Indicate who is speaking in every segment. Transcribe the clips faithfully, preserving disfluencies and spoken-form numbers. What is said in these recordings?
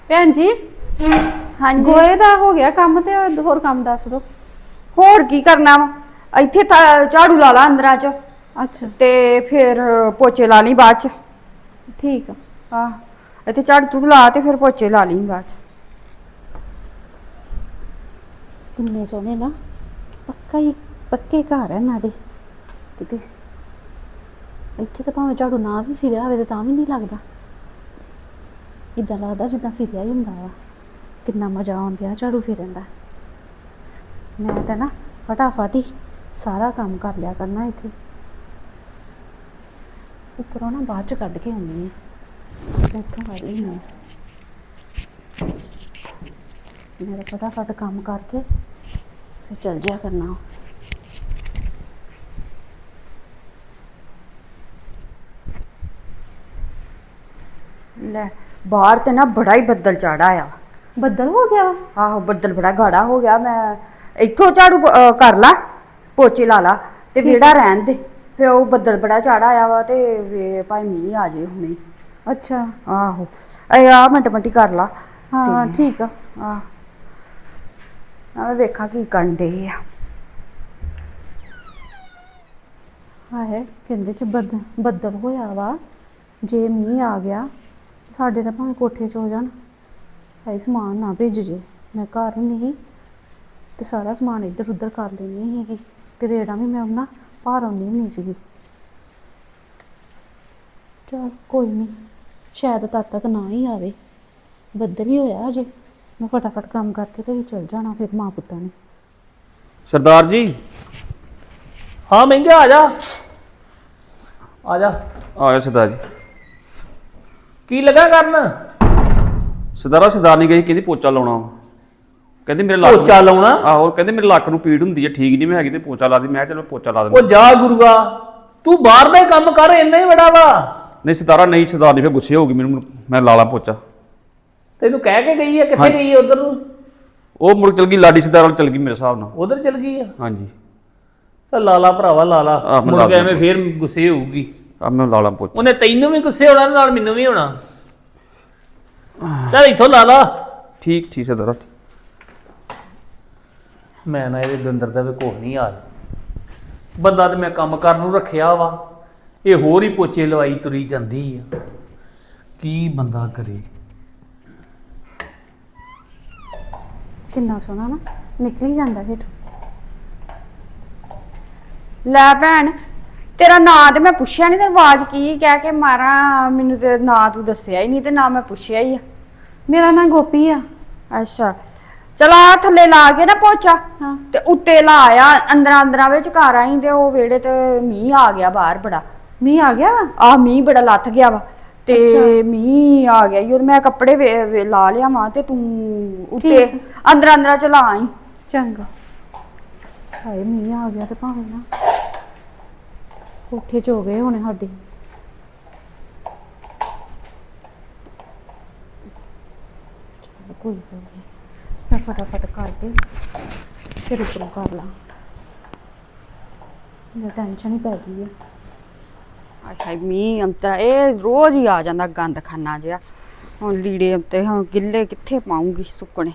Speaker 1: ਭੈਣ ਜੀ
Speaker 2: ਹਾਂਜੀ
Speaker 1: ਗੋਏ ਦਾ ਹੋ ਗਿਆ ਕੰਮ ਤੇ ਹੋਰ ਕੰਮ ਦੱਸ ਦੋ।
Speaker 2: ਹੋਰ ਕੀ ਕਰਨਾ ਵਾ ਇੱਥੇ ਤਾਂ ਝਾੜੂ ਲਾ ਲਾ ਅੰਦਰਾਂ ਚ
Speaker 1: ਅੱਛਾ
Speaker 2: ਤੇ ਫਿਰ ਪੋਚੇ ਲਾ ਲਈ ਬਾਅਦ ਚ।
Speaker 1: ਠੀਕ ਆ।
Speaker 2: ਆਹ ਇੱਥੇ ਝਾੜੂ ਝੂੜੂ ਲਾ ਤੇ ਫਿਰ ਪੋਚੇ ਲਾ ਲਈ ਬਾਅਦ ਚ।
Speaker 1: ਕਿੰਨੇ ਸੋਹਣੇ ਨਾ ਪੱਕਾ ਹੀ ਪੱਕੇ ਘਰ ਹੈ ਇਹਨਾਂ ਦੇ ਕਿਤੇ ਇੱਥੇ ਤਾਂ ਭਾਵੇਂ ਝਾੜੂ ਨਾ ਵੀ ਫਿਰਿਆ ਹੋਵੇ ਤਾਂ ਵੀ ਨਹੀਂ ਲੱਗਦਾ। ਇੱਦਾਂ ਲੱਗਦਾ ਜਿੱਦਾਂ ਫਿਰਿਆ ਹੀ ਹੁੰਦਾ ਵਾ। ਕਿੰਨਾ ਮਜ਼ਾ ਆਉਂਦਾ ਝਾੜੂ ਫਿਰਨ ਦਾ। ਮੈਂ ਤਾਂ ਨਾ ਫਟਾਫਟ ਹੀ ਸਾਰਾ ਕੰਮ ਕਰ ਲਿਆ ਕਰਨਾ ਇੱਥੇ। ਉੱਪਰੋਂ ਨਾ ਬਾਅਦ ਚ ਕੱਢ ਕੇ ਆਉਂਦੀ ਹਾਂ ਇੱਥੋਂ ਕੱਢ ਲਈ ਹਾਂ ਮੇਰਾ ਫਟਾਫਟ ਕੰਮ ਕਰਕੇ ਫਿਰ ਚੱਲ ਜਿਆ ਕਰਨਾ।
Speaker 2: ਲੈ ਬਾਹਰ ਤੇ ਨਾ ਬੜਾ ਹੀ ਬੱਦਲ ਚਾੜਾ ਆ।
Speaker 1: ਬੱਦਲ ਹੋ ਗਿਆ ਵਾ।
Speaker 2: ਆਹੋ ਬੱਦਲ ਬੜਾ ਗਾੜਾ ਹੋ ਗਿਆ। ਮੈਂ ਇੱਥੋਂ ਝਾੜੂ ਅਹ ਕਰ ਲਾ ਪੋਚੇ ਲਾ ਲਾ ਤੇ ਵਿਹੜਾ ਰਹਿਣ ਦੇ। ਫਿਰ ਉਹ ਬੱਦਲ ਬੜਾ ਚਾੜਾ ਆਇਆ ਵਾ ਤੇ ਭਾਈ ਮੀਂਹ ਆ ਜਾਏ ਹੁਣੇ।
Speaker 1: ਅੱਛਾ
Speaker 2: ਆਹੋ ਇਹ ਆ ਮਿੰਟ ਮਿੰਟੀ ਕਰ ਲਾ।
Speaker 1: ਹਾਂ ਠੀਕ ਆ।
Speaker 2: ਆਹ ਮੈਂ ਵੇਖਾਂ ਕੀ ਕਰਨ ਡੇ ਆ।
Speaker 1: ਹਾਏ ਕਹਿੰਦੇ ਚ ਬੱਦਲ ਬੱਦਲ ਹੋਇਆ ਵਾ। ਜੇ ਮੀਂਹ ਆ ਗਿਆ ਸਾਡੇ ਤਾਂ ਭਾਵੇਂ ਕੋਠੇ 'ਚ ਹੋ ਜਾਣ। ਹਾਏ ਸਮਾਨ ਨਾ ਭੇਜ ਜੇ। ਮੈਂ ਘਰ ਨਹੀਂ ਤੇ ਸਾਰਾ ਸਮਾਨ ਇੱਧਰ ਉੱਧਰ ਕਰ ਲੈਂਦੀ ਸੀਗੀ ਤੇ ਰੇੜਾਂ ਵੀ ਮੈਂ ਉਹਨਾਂ ਭਾਰ ਆਉਂਦੀ ਨਹੀਂ ਸੀਗੀ। ਚਲ ਕੋਈ ਨਹੀਂ ਸ਼ਾਇਦ ਤਦ ਤੱਕ ਨਾ ਹੀ ਆਵੇ। ਬੱਦਲ ਹੀ ਹੋਇਆ ਅਜੇ। ਮੈਂ ਫਟਾਫਟ ਕੰਮ ਕਰਕੇ ਤੇ ਚਲ ਜਾਣਾ ਫਿਰ ਮਾਂ ਪੁੱਤਾਂ ਨੇ।
Speaker 3: सरदार जी हाँ महंगे आ जा आ जा
Speaker 4: ਆਇਆ ਸਰਦਾਰ ਜੀ।
Speaker 3: की लगा करना
Speaker 4: ਸਰਦਾਰਾ ਸਰਦਾਰਨੀ ਗਈ ਕਹਿੰਦੀ ਪੋਚਾ ਲਾਉਣਾ ਵਾ। ਕਹਿੰਦੀ ਮੇਰੇ ਲੱਕ
Speaker 3: पोचा लाउना
Speaker 4: ਆਹੋ ਕਹਿੰਦੇ ਮੇਰੇ ਲੱਕ ਨੂੰ ਪੀੜ ਹੁੰਦੀ ਹੈ ਠੀਕ ਨਹੀਂ ਮੈਂ ਹੈਗੀ ਤੇ ਪੋਚਾ ਲਾ ਦੀ। ਮੈਂ ਕਿਹਾ ਚਲੋ ਪੋਚਾ ਲਾ
Speaker 3: ओ
Speaker 4: ਦਿੰਦਾ।
Speaker 3: जा गुरुआ तू बाहर ਦਾ ਕੰਮ ਕਰ ਇੰਨਾ ਹੀ ਬੜਾ ਵਾ।
Speaker 4: ਨਹੀਂ ਸਰਦਾਰਾ ਨਹੀਂ ਸਰਦਾਰਨੀ ਫਿਰ ਗੁੱਸੇ ਹੋਊਗੀ ਮੈਨੂੰ। ਮੈਂ ਲਾ ਲਾ ਪੋਚਾ।
Speaker 3: ਤੈਨੂੰ ਕਹਿ ਕੇ ਗਈ ਹੈ ਕਿੱਥੇ ਗਈ ਹੈ ਉਧਰ ਨੂੰ।
Speaker 4: ਉਹ ਮੁੜ ਚਲ ਗਈ ਲਾਡੀ ਸਰਦਾਰ ਵੱਲ ਚਲ ਗਈ ਮੇਰੇ ਹਿਸਾਬ ਨਾਲ।
Speaker 3: ਉਧਰ ਚਲ ਗਈ ਆ
Speaker 4: ਹਾਂਜੀ
Speaker 3: ਤਾਂ ਲਾਲਾ ਭਰਾਵਾ ਲਾਲਾ
Speaker 4: ਆਹ, ਮੈਂ
Speaker 3: ਮੁੜ
Speaker 4: ਲਾ
Speaker 3: ਕੇ ਐਵੇਂ ਫੇਰ ਗੁੱਸੇ ਹੋਊਗੀ।
Speaker 4: ਆ ਮੈਂ ਲਾ ਲਾ ਪੋਚਾ।
Speaker 3: ਉਹਨੇ ਤੈਨੂੰ ਵੀ ਗੁੱਸੇ ਹੋਣਾ ਨਾਲ ਮੈਨੂੰ ਵੀ ਹੋਣਾ। ਚੱਲ ਇੱਥੋਂ ਲਾ ਲਾ।
Speaker 4: ਠੀਕ ਠੀਕ ਸਰਦਾਰਾ।
Speaker 3: ਮੈਂ ਨਾ ਇਹਦੇ ਦੰਦਰ ਦਾ ਵੀ ਕੁਛ ਨਹੀਂ ਆ ਬੰਦਾ ਤੇ ਮੈਂ ਕੰਮ ਕਰਨ ਨੂੰ ਰੱਖਿਆ ਵਾ ਇਹ ਹੋਰ ਹੀ ਪੋਚੇ ਲਵਾਈ ਤੁਰੀ ਜਾਂਦੀ ਆ। ਕੀ ਬੰਦਾ ਕਰੇ।
Speaker 1: ਕਿੰਨਾ ਸੋਹਣਾ ਨਾ ਨਿਕਲ ਜਾਂਦਾ ਫਿਰ।
Speaker 2: ਲੈ ਭੈਣ ਤੇਰਾ ਨਾਂ ਤੇ ਮੈਂ ਪੁੱਛਿਆ ਨਹੀਂ ਤੇ ਆਵਾਜ਼ ਕੀ ਕਹਿ ਕੇ ਮਾਰਾਂ। ਮੈਨੂੰ ਤੇ ਨਾਂ ਤੂੰ ਦੱਸਿਆ ਹੀ ਨਹੀਂ ਤੇ ਨਾ ਮੈਂ ਪੁੱਛਿਆ ਹੀ ਆ।
Speaker 1: ਮੇਰਾ ਨਾਂ ਗੋਪੀ ਆ।
Speaker 2: ਅੱਛਾ ਚਲ ਆ ਥੱਲੇ ਲਾ ਕੇ ਨਾ ਪੋਚਾ
Speaker 1: ਹਾਂ
Speaker 2: ਤੇ ਉੱਤੇ ਲਾ ਆ ਅੰਦਰਾਂ ਅੰਦਰਾਂ ਵਿੱਚ ਘਰ ਆਈ ਤੇ ਉਹ ਵਿਹੜੇ ਤੇ ਮੀਂਹ ਆ ਗਿਆ ਬਾਹਰ ਬੜਾ।
Speaker 1: ਮੀਂਹ ਆ ਗਿਆ ਵਾ।
Speaker 2: ਆ ਮੀਂਹ ਬੜਾ ਲੱਥ ਗਿਆ ਵਾ ਤੇ ਮੀਂਹ ਆ ਗਿਆ ਈ। ਮੈਂ ਕੱਪੜੇ ਵੇ- ਵੇ ਲਾ ਲਿਆ ਵਾਂ ਤੇ ਤੂੰ ਉੱਤੇ ਅੰਦਰਾਂ ਅੰਦਰਾਂ ਚ ਲਾ ਆਈ।
Speaker 1: ਚੰਗਾ। ਹਾਏ ਮੀਂਹ ਆ ਗਿਆ ਤੇ ਭਾਵੇਂ ਨਾ ਕੋਠੇ ਚ ਹੋ ਗਏ ਹੋਣੇ ਸਾਡੇ। ਚੱਲ ਕੋਈ ਗੱਲ ਨਹੀਂ ਮੈਂ ਫਟਾਫਟ ਕਰਕੇ ਫਿਰ ਉੱਪਰੋਂ ਕਰ ਲਾਂ। ਮੈਨੂੰ ਟੈਨਸ਼ਨ ਹੀ ਪੈ ਗਈ ਆ।
Speaker 2: ਅੱਛਾ ਮੀਂਹ ਅੰਤਰਾ ਇਹ ਰੋਜ਼ ਹੀ ਆ ਜਾਂਦਾ ਗੰਦ ਖਾਨਾ ਜਿਹਾ। ਹੁਣ ਲੀੜੇ ਅੰਤਰੇ ਹੁਣ ਗਿੱਲੇ ਕਿੱਥੇ ਪਾਉਂਗੀ ਸੁੱਕਣੇ।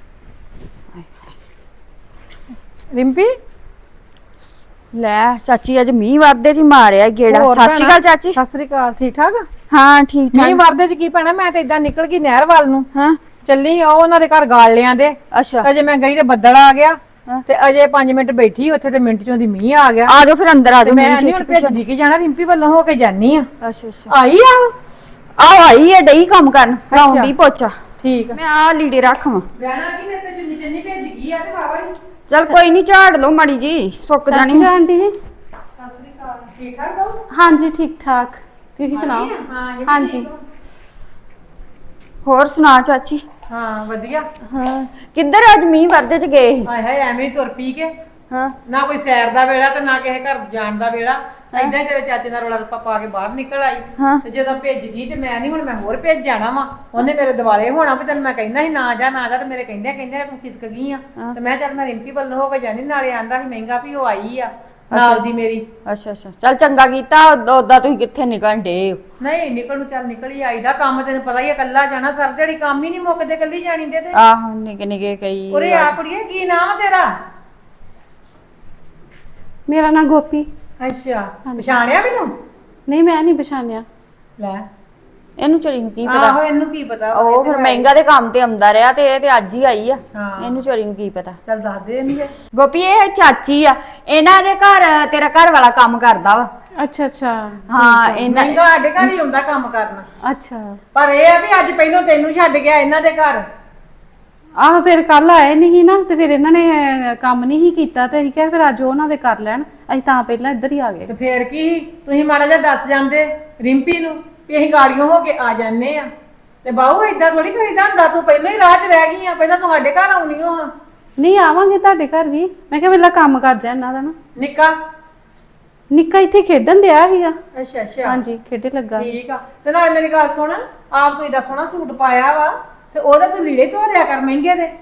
Speaker 1: ਰਿੰਪੀ
Speaker 2: ਲੈ ਚਾਚੀ ਅੱਜ ਮੀਂਹ ਵਰਦੇ ਚ ਮਾਰਿਆ ਗੇੜਾ।
Speaker 1: ਹੋਰ
Speaker 2: ਸਤਿ ਸ਼੍ਰੀ ਅਕਾਲ ਚਾਚੀ।
Speaker 1: ਸਤਿ ਸ੍ਰੀ ਅਕਾਲ। ਠੀਕ ਠਾਕ ਆ?
Speaker 2: ਹਾਂ ਠੀਕ
Speaker 1: ਮੀਂਹ
Speaker 2: ਠਾਕ।
Speaker 1: ਵਰਦੇ ਚ ਕੀ ਪੈਣਾ। ਮੈਂ ਤਾਂ ਇਦਾਂ ਨਿਕਲ ਗਈ ਨਹਿਰ ਵੱਲ ਨੂੰ
Speaker 2: ਹਾਂ
Speaker 1: ਚੱਲੀ। ਉਹ ਉਹਨਾਂ ਦੇ ਘਰ ਗਾਲ ਲਿਆਂ ਦੇ।
Speaker 2: ਅੱਛਾ
Speaker 1: ਅਜੇ ਮੈਂ ਗਈ ਤੇ ਬੱਦਲ ਆ ਗਿਆ
Speaker 2: ਹਾਂ।
Speaker 1: ਤੇ ਅਜੇ ਪੰਜ ਮਿੰਟ ਬੈਠੀ ਉੱਥੇ ਤੇ ਮਿੰਟ ਚੋਂ ਦੀ ਮੀਂਹ ਆ ਗਿਆ।
Speaker 2: ਆ ਜਾਓ ਫਿਰ ਅੰਦਰ ਆ
Speaker 1: ਤੇ
Speaker 2: ਜਾਓ।
Speaker 1: ਮੈਂ ਨਹੀਂ ਹੁਣ ਭੇਜਦੀ ਕਿ ਜਾਣਾ ਰਿੰਪੀ ਵੱਲੋਂ ਹੋ ਕੇ ਜਾਨੀ ਆ।
Speaker 2: ਅੱਛਾ ਅੱਛਾ
Speaker 1: ਆਈ ਆ
Speaker 2: ਆਹ ਆਈ ਹੈ ਡਈ ਕੰਮ ਕਰਨ ਲਾਉਂਦੀ ਪੋਚਾ।
Speaker 1: ਠੀਕ ਆ।
Speaker 2: ਮੈਂ ਆ ਲੀੜੇ ਰੱਖਵਾਂ।
Speaker 1: ਵਿਆਹਣਾ ਕੀ ਮੈਂ ਤੇ ਜੁੰਨੀ ਚੰਨੀ ਭੇਜ ਗਈ ਆ ਤੇ ਵਾਵਾ ਹੀ।
Speaker 2: ਚਲ ਕੋਈ ਨਹੀਂ ਝਾੜ ਲਓ ਮਾੜੀ ਜੀ ਸੁੱਕ ਜਾਣੀ।
Speaker 1: ਆਂਟੀ ਜੀ ਸਤਿ ਸ੍ਰੀ ਅਕਾਲ। ਠੀਕ ਠਾਕ ਹੋ? ਹਾਂਜੀ ਠੀਕ ਠਾਕ। ਤੁਸੀਂ ਸੁਣਾਓ? ਹਾਂ ਹਾਂਜੀ
Speaker 2: ਹੋਰ ਸੁਣਾ ਚਾਚੀ।
Speaker 1: ਹਾਂ ਵਧੀਆ।
Speaker 2: ਹਾਂ ਕਿੱਧਰ ਅੱਜ ਮੀਂਹ ਵਰਦੇ ਚ ਗਏ ਸੀ?
Speaker 1: ਹਾਏ ਹਾਏ ਐਵੇਂ ਹੀ ਤੁਰ ਪੀ ਕੇ
Speaker 2: ਹਾਂ
Speaker 1: ਨਾ ਕੋਈ ਸੈਰ ਦਾ ਵੇੜਾ ਤੇ ਨਾ ਕਿਸੇ ਘਰ ਜਾਣ ਦਾ ਵੇੜਾ। ਏਦਾਂ ਹੀ ਤੇਰੇ ਚਾਚੇ ਨਾਲ ਰੌਲਾ ਰੱਪਾ ਪਾ ਕੇ ਬਾਹਰ ਨਿਕਲ ਆਈ
Speaker 2: ਹਾਂ।
Speaker 1: ਤੇ ਜਦੋਂ ਭੇਜ ਗਈ ਤੇ ਮੈਂ ਨਹੀਂ ਹੁਣ ਮੈਂ ਹੋਰ ਭੇਜ ਜਾਣਾ ਵਾ। ਉਹਨੇ ਮੇਰੇ ਦਿਵਾਲੇ ਹੋਣਾ ਵੀ ਤੈਨੂੰ ਮੈਂ ਕਹਿੰਦਾ ਸੀ ਨਾ ਜਾ ਨਾ ਜਾ ਤੇ ਮੇਰੇ ਕਹਿੰਦੇ ਕਹਿੰਦੇ ਤੂੰ ਖਿਸਕ ਗਈ ਆ। ਤੇ ਮੈਂ ਚੱਲ ਮੈਂ ਰਿੰਪੀ ਵੱਲੋਂ ਹੋ ਕੇ ਜਾਣੀ ਨਾਲੇ ਆਂਦਾ ਸੀ ਮਹਿੰਗਾ ਵੀ ਉਹ ਆਈ ਆ
Speaker 5: ਨਾਲ ਦੀ ਮੇਰੀ।
Speaker 2: ਅੱਛਾ ਅੱਛਾ ਚੱਲ ਚੰਗਾ ਕੀਤਾ। ਉਦਾਂ ਤੁਸੀਂ ਕਿੱਥੇ ਨਿਕਲਣ ਡੇ?
Speaker 5: ਨਹੀਂ ਨਿਕਲ ਨੂੰ ਚੱਲ ਨਿਕਲ ਹੀ ਆਈਦਾ, ਕੰਮ ਤੈਨੂੰ ਪਤਾ ਹੀ ਹੈ, ਇਕੱਲਾ ਜਾਣਾ ਸਰ ਦਿਹਾੜੀ ਕੰਮ ਹੀ ਨਹੀਂ ਮੁੱਕਦੇ ਇਕੱਲੀ ਜਾਣੀ ਦੇ ਤੇ।
Speaker 2: ਆਹੋ ਨਿੱਕੇ ਨਿੱਕੇ ਕਈ।
Speaker 5: ਉਰੇ ਆ ਕੁੜੀਏ, ਕੀ ਨਾਮ ਆ ਤੇਰਾ?
Speaker 1: ਮੇਰਾ ਨਾਂ ਗੋਪੀ।
Speaker 5: ਅੱਛਾ, ਪਛਾਣਿਆ ਮੈਨੂੰ?
Speaker 1: ਨਹੀਂ ਮੈਂ ਨਹੀਂ ਪਛਾਣਿਆ।
Speaker 5: ਲੈ
Speaker 2: ਇਹਨੂੰ ਚੋਰੀ ਨੂੰ ਕੀ ਪਤਾ?
Speaker 5: ਆਹੋ ਇਹਨੂੰ ਕੀ ਪਤਾ,
Speaker 2: ਉਹ ਫਿਰ ਮਹਿੰਗਾ ਦੇ ਕੰਮ ਤੇ ਆਉਂਦਾ ਰਿਹਾ ਤੇ ਇਹ ਤੇ ਅੱਜ ਹੀ ਆਈ ਆ।
Speaker 5: ਹਾਂ।
Speaker 2: ਇਹਨੂੰ ਚੋਰੀ ਨੂੰ ਕੀ ਪਤਾ?
Speaker 5: ਚੱਲ ਦੱਸ ਦੇ ਇਹਨੂੰ।
Speaker 2: ਗੋਪੀ ਇਹ ਚਾਚੀ ਆ, ਇਹਨਾਂ ਦੇ ਘਰ ਤੇਰਾ ਘਰ ਵਾਲਾ ਕੰਮ ਕਰਦਾ ਵਾ।
Speaker 1: ਅੱਛਾ ਅੱਛਾ
Speaker 2: ਹਾਂ ਇਹਨਾਂ
Speaker 5: ਮਹਿੰਗਾ ਸਾਡੇ ਘਰ ਹੀ ਹੁੰਦਾ ਕੰਮ ਕਰਨਾ,
Speaker 1: ਅੱਛਾ।
Speaker 5: ਪਰ ਇਹ ਆ ਵੀ ਅੱਜ ਪਹਿਲੋਂ ਤੈਨੂੰ ਛੱਡ ਗਿਆ ਇਹਨਾਂ ਦੇ ਘਰ।
Speaker 1: ਆਹ ਫਿਰ ਕੱਲ ਆਏ ਨਹੀਂ ਨਾ ਤੇ ਫਿਰ ਇਹਨਾਂ ਨੇ ਅਹ, ਕੰਮ ਨਹੀਂ ਹੀ ਕੀਤਾ ਤੇ ਅਸੀਂ ਕਿਹਾ ਫਿਰ ਅੱਜ ਉਹਨਾਂ ਦੇ ਕਰ ਲੈਣ, ਅਸੀਂ ਤਾਂ ਪਹਿਲਾਂ ਇੱਧਰ ਹੀ ਆ ਗਏ।
Speaker 5: ਤੇ ਫੇਰ ਕੀ ਤੁਸੀਂ ਮਾੜਾ ਜਿਹਾ ਦੱਸ ਜਾਂਦੇ ਰਿੰਪੀ ਨੂੰ ਵੀ ਅਸੀਂ ਗਾੜੀਆਂ ਹੋ ਕੇ ਆ ਜਾਂਦੇ ਆ, ਤੇ ਬਾਹੂ ਏਦਾਂ ਥੋੜੀ ਕਰੀਦਾ ਹੁੰਦਾ, ਤੂੰ ਪਹਿਲਾਂ ਹੀ ਰਾਹ 'ਚ ਰਹਿ ਗਈ ਆ, ਪਹਿਲਾਂ ਤੁਹਾਡੇ ਘਰ ਆਉਣੀ ਹੋ।
Speaker 1: ਨਹੀਂ ਆਵਾਂਗੇ ਤੁਹਾਡੇ ਘਰ ਵੀ, ਮੈਂ ਕਿਹਾ ਪਹਿਲਾਂ ਕੰਮ ਕਰ ਜਾ ਇਹਨਾਂ ਦਾ ਨਾ।
Speaker 5: ਨਿੱਕਾ
Speaker 1: ਨਿੱਕਾ ਇੱਥੇ ਖੇਡਣ ਦਿਆ ਸੀਗਾ।
Speaker 5: ਅੱਛਾ ਅੱਛਾ
Speaker 1: ਹਾਂਜੀ ਖੇਡੇ ਲੱਗਾ।
Speaker 5: ਠੀਕ ਆ। ਤੇ ਨਾਲ ਮੇਰੀ ਗੱਲ ਸੁਣ, ਆਪ ਤੂੰ ਏਡਾ ਸੋਹਣਾ ਸੂਟ ਪਾਇਆ ਵਾ ਤੇ ਉਹਦੇ ਤੂੰ ਲੀੜੇ ਧੋ ਦਿਆ ਕਰ ਮਹਿੰਗੇ ਦੇ।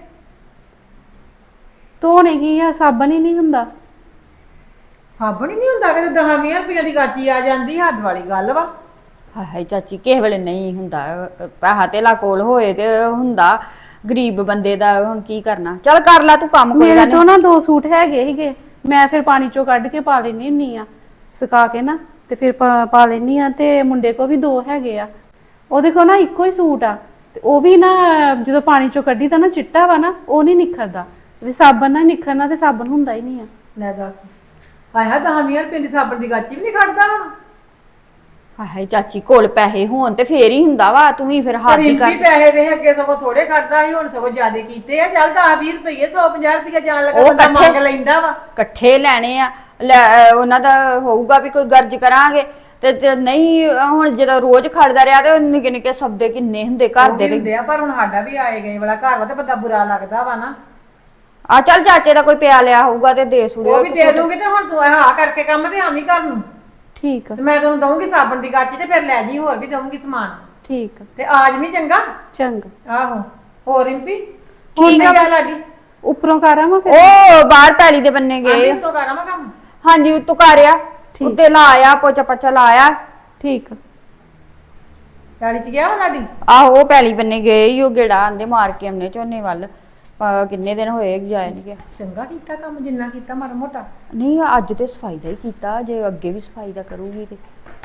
Speaker 1: ਧੋਣੇ ਕੀ ਆ, ਸਾਬਣ ਹੀ ਨਹੀਂ ਹੁੰਦਾ।
Speaker 5: ਸਾਬਣ ਹੀ ਨਹੀਂ ਹੁੰਦਾ ਕਿ ਦਸ ਵੀਹ ਰੁਪਈਆ ਦੀ ਗਾਚੀ ਆ ਜਾਂਦੀ, ਹੱਦ ਵਾਲੀ ਗੱਲ ਵਾ।
Speaker 2: ਹਾਏ ਹਾਏ ਚਾਚੀ ਕਿਸੇ ਵੇਲੇ ਨਹੀਂ ਹੁੰਦਾ, ਪੈਸਾ ਧੇਲਾ ਕੋਲ ਹੋਏ ਤੇ ਹੁੰਦਾ, ਗਰੀਬ ਬੰਦੇ ਦਾ ਹੁਣ ਕੀ ਕਰਨਾ। ਚੱਲ ਕਰ ਲੈ ਤੂੰ ਕੰਮ, ਕੋਈ
Speaker 1: ਮੇਰੇ
Speaker 2: ਗੱਲ
Speaker 1: ਤੋਂ
Speaker 2: ਨਹੀਂ।
Speaker 1: ਨਾ ਦੋ ਸੂਟ ਹੈਗੇ ਸੀਗੇ, ਮੈਂ ਫਿਰ ਪਾਣੀ ਚੋਂ ਕੱਢ ਕੇ ਪਾ ਲੈਣੀ ਹੁੰਨੀ ਆ, ਸੁਕਾ ਕੇ ਨਾ ਤੇ ਫਿਰ ਪਾ ਪਾ ਲੈਣੀ ਆ। ਤੇ ਮੁੰਡੇ ਕੋ ਵੀ ਦੋ ਹੈਗੇ ਆ, ਉਹਦੇ ਕੋ ਨਾ ਇੱਕੋ ਹੀ ਸੂਟ ਆ, ਤੇ ਉਹ ਵੀ ਨਾ ਜਦੋਂ ਪਾਣੀ ਚੋਂ ਕੱਢੀ ਤਾਂ ਨਾ ਚਿੱਟਾ ਵਾ ਨਾ, ਉਹ ਨਹੀਂ ਨਿਖਰਦਾ। ਵੀ ਸਾਬਣ ਨਾਲ ਨਿਖਰਨਾ ਤੇ ਸਾਬਣ ਹੁੰਦਾ ਹੀ ਨਹੀਂ ਆ।
Speaker 5: ਲੈ ਦੱਸ, ਹਾਏ ਹਾਏ ਦਸ ਵੀਹ ਰੁਪਏ ਦੀ ਸਾਬਣ ਦੀ ਗਾਚੀ ਵੀ ਨਹੀਂ ਖੜਦਾ ਹੁਣ।
Speaker 2: ਹਾਏ ਹਾਏ ਚਾਚੀ ਕੋਲ ਪੈਸੇ ਹੋਣ ਤੇ ਫੇਰ ਹੀ ਹੁੰਦਾ ਵਾ, ਤੂੰ ਹੀ ਫਿਰ ਹੱਥ ਹੀ ਕਰ।
Speaker 5: ਰਿੰਪੀ ਪੈਸੇ ਵੇ ਅੱਗੇ ਸਗੋਂ ਥੋੜੇ ਖੜਦਾ ਸੀ, ਹੁਣ ਸਗੋਂ ਜ਼ਿਆਦੇ ਕੀਤੇ ਆ। ਚੱਲ ਦਸ ਵੀਹ ਰੁਪਏ ਸੌ ਪੰਜਾਹ ਰੁਪਏ ਜਾਣ ਲੱਗਾ
Speaker 2: ਉਹ
Speaker 5: ਬੰਦਾ ਮੰਗ
Speaker 2: ਇਕੱਠੇ-
Speaker 5: ਲੈਂਦਾ ਵਾ।
Speaker 2: ਇਕੱਠੇ ਲੈਣੇ ਆ, ਲੈ ਉਹਨਾਂ ਦਾ ਹੋਊਗਾ ਵੀ ਕੋਈ ਗਰਜ ਕਰਾਂਗੇ ਤੇ ਤੇ ਨਹੀਂ ਹੁਣ ਜਦੋਂ ਰੋਜ਼ ਖੜਦਾ ਰਿਹਾ ਤੇ ਨਿੱਕੇ ਨਿੱਕੇ ਸਬਦੇ ਕਿੰਨੇ ਹੁੰਦੇ ਘਰ
Speaker 5: ਉਹ
Speaker 2: ਦੇ
Speaker 5: ਵੀ ਹੁੰਦੇ ਆ, ਪਰ ਹੁਣ ਸਾਡਾ ਵੀ ਆਏ ਗਏ ਵਾਲਾ ਘਰ ਵਾ ਤੇ ਬੰਦਾ ਬੁਰਾ ਲੱਗਦਾ ਵਾ ਨਾ।
Speaker 2: ਆ ਚੱਲ ਚਾਚੇ ਦਾ ਕੋਈ ਪਿਆ ਲਿਆ ਹੋਊਗਾ ਤੇ ਦੇ ਸੁੜਿਓ
Speaker 5: ਉਹ ਵੀ ਦੇ ਦੂੰਗੀ, ਤੇ ਹੁਣ ਤੂੰ ਹਾਂ ਕਰਕੇ ਕੰਮ ਤੇ ਆਵੀਂ ਘਰ ਨੂੰ,
Speaker 1: ਠੀਕ ਆ
Speaker 5: ਤੇ ਮੈਂ ਤੈਨੂੰ ਦਊਂਗੀ ਸਾਬਣ ਦੀ ਗਾਚੀ ਤੇ ਫਿਰ ਲੈ ਜੀ, ਹੋਰ ਵੀ ਦਊਂਗੀ ਸਮਾਨ,
Speaker 1: ਠੀਕ ਆ
Speaker 5: ਤੇ ਆਜ ਵੀ ਚੰਗਾ।
Speaker 1: ਚੰਗਾ।
Speaker 5: ਆਹੋ ਹੋਰ ਰਿੰਪੀ
Speaker 2: ਠੀਕ ਆ।
Speaker 5: ਗਿਆ ਲਾਡੀ?
Speaker 1: ਉੱਪਰੋਂ ਕਰਾਂ ਮੈਂ ਫਿਰ?
Speaker 2: ਉਹ ਬਾਹਰ ਪੈਲੀ ਦੇ ਬੰਨੇ ਗਏ।
Speaker 5: ਆਂਟੀ ਤੋਂ ਕਰਾਂ ਮੈਂ ਕੰਮ?
Speaker 2: ਹਾਂਜੀ ਉੱਤੋਂ ਕਰਿਆ, ਉੱਤੇ ਲਾਇਆ ਪੋਚਾ ਪੱਚਾ ਲਾਇਆ।
Speaker 1: ਠੀਕ ਆ।
Speaker 5: ਗਾੜੀ ਚ ਗਿਆ ਵਾ ਲਾਡੀ?
Speaker 2: ਆਹੋ ਉਹ ਪੈਲੀ ਬੰਨੇ ਗਏ ਈ, ਉਹ ਗੇੜਾ ਆਂਦੇ ਮਾਰ ਕੇ ਆਉਣੇ ਝੋਨੇ ਵੱਲ। ਅਹ ਕਿੰਨੇ ਦਿਨ ਹੋਏ ਜਾਏ ਨਹੀਂ ਗਿਆ।
Speaker 5: ਚੰਗਾ ਕੀਤਾ ਕੰਮ, ਜਿੰਨਾ ਕੀਤਾ ਮਾੜਾ ਮੋਟਾ।
Speaker 2: ਨਹੀਂ ਅੱਜ ਤੇ ਸਫਾਈ ਦਾ ਹੀ ਕੀਤਾ, ਜੇ ਅੱਗੇ ਵੀ ਸਫਾਈ ਦਾ ਕਰੂਗੀ ਤੇ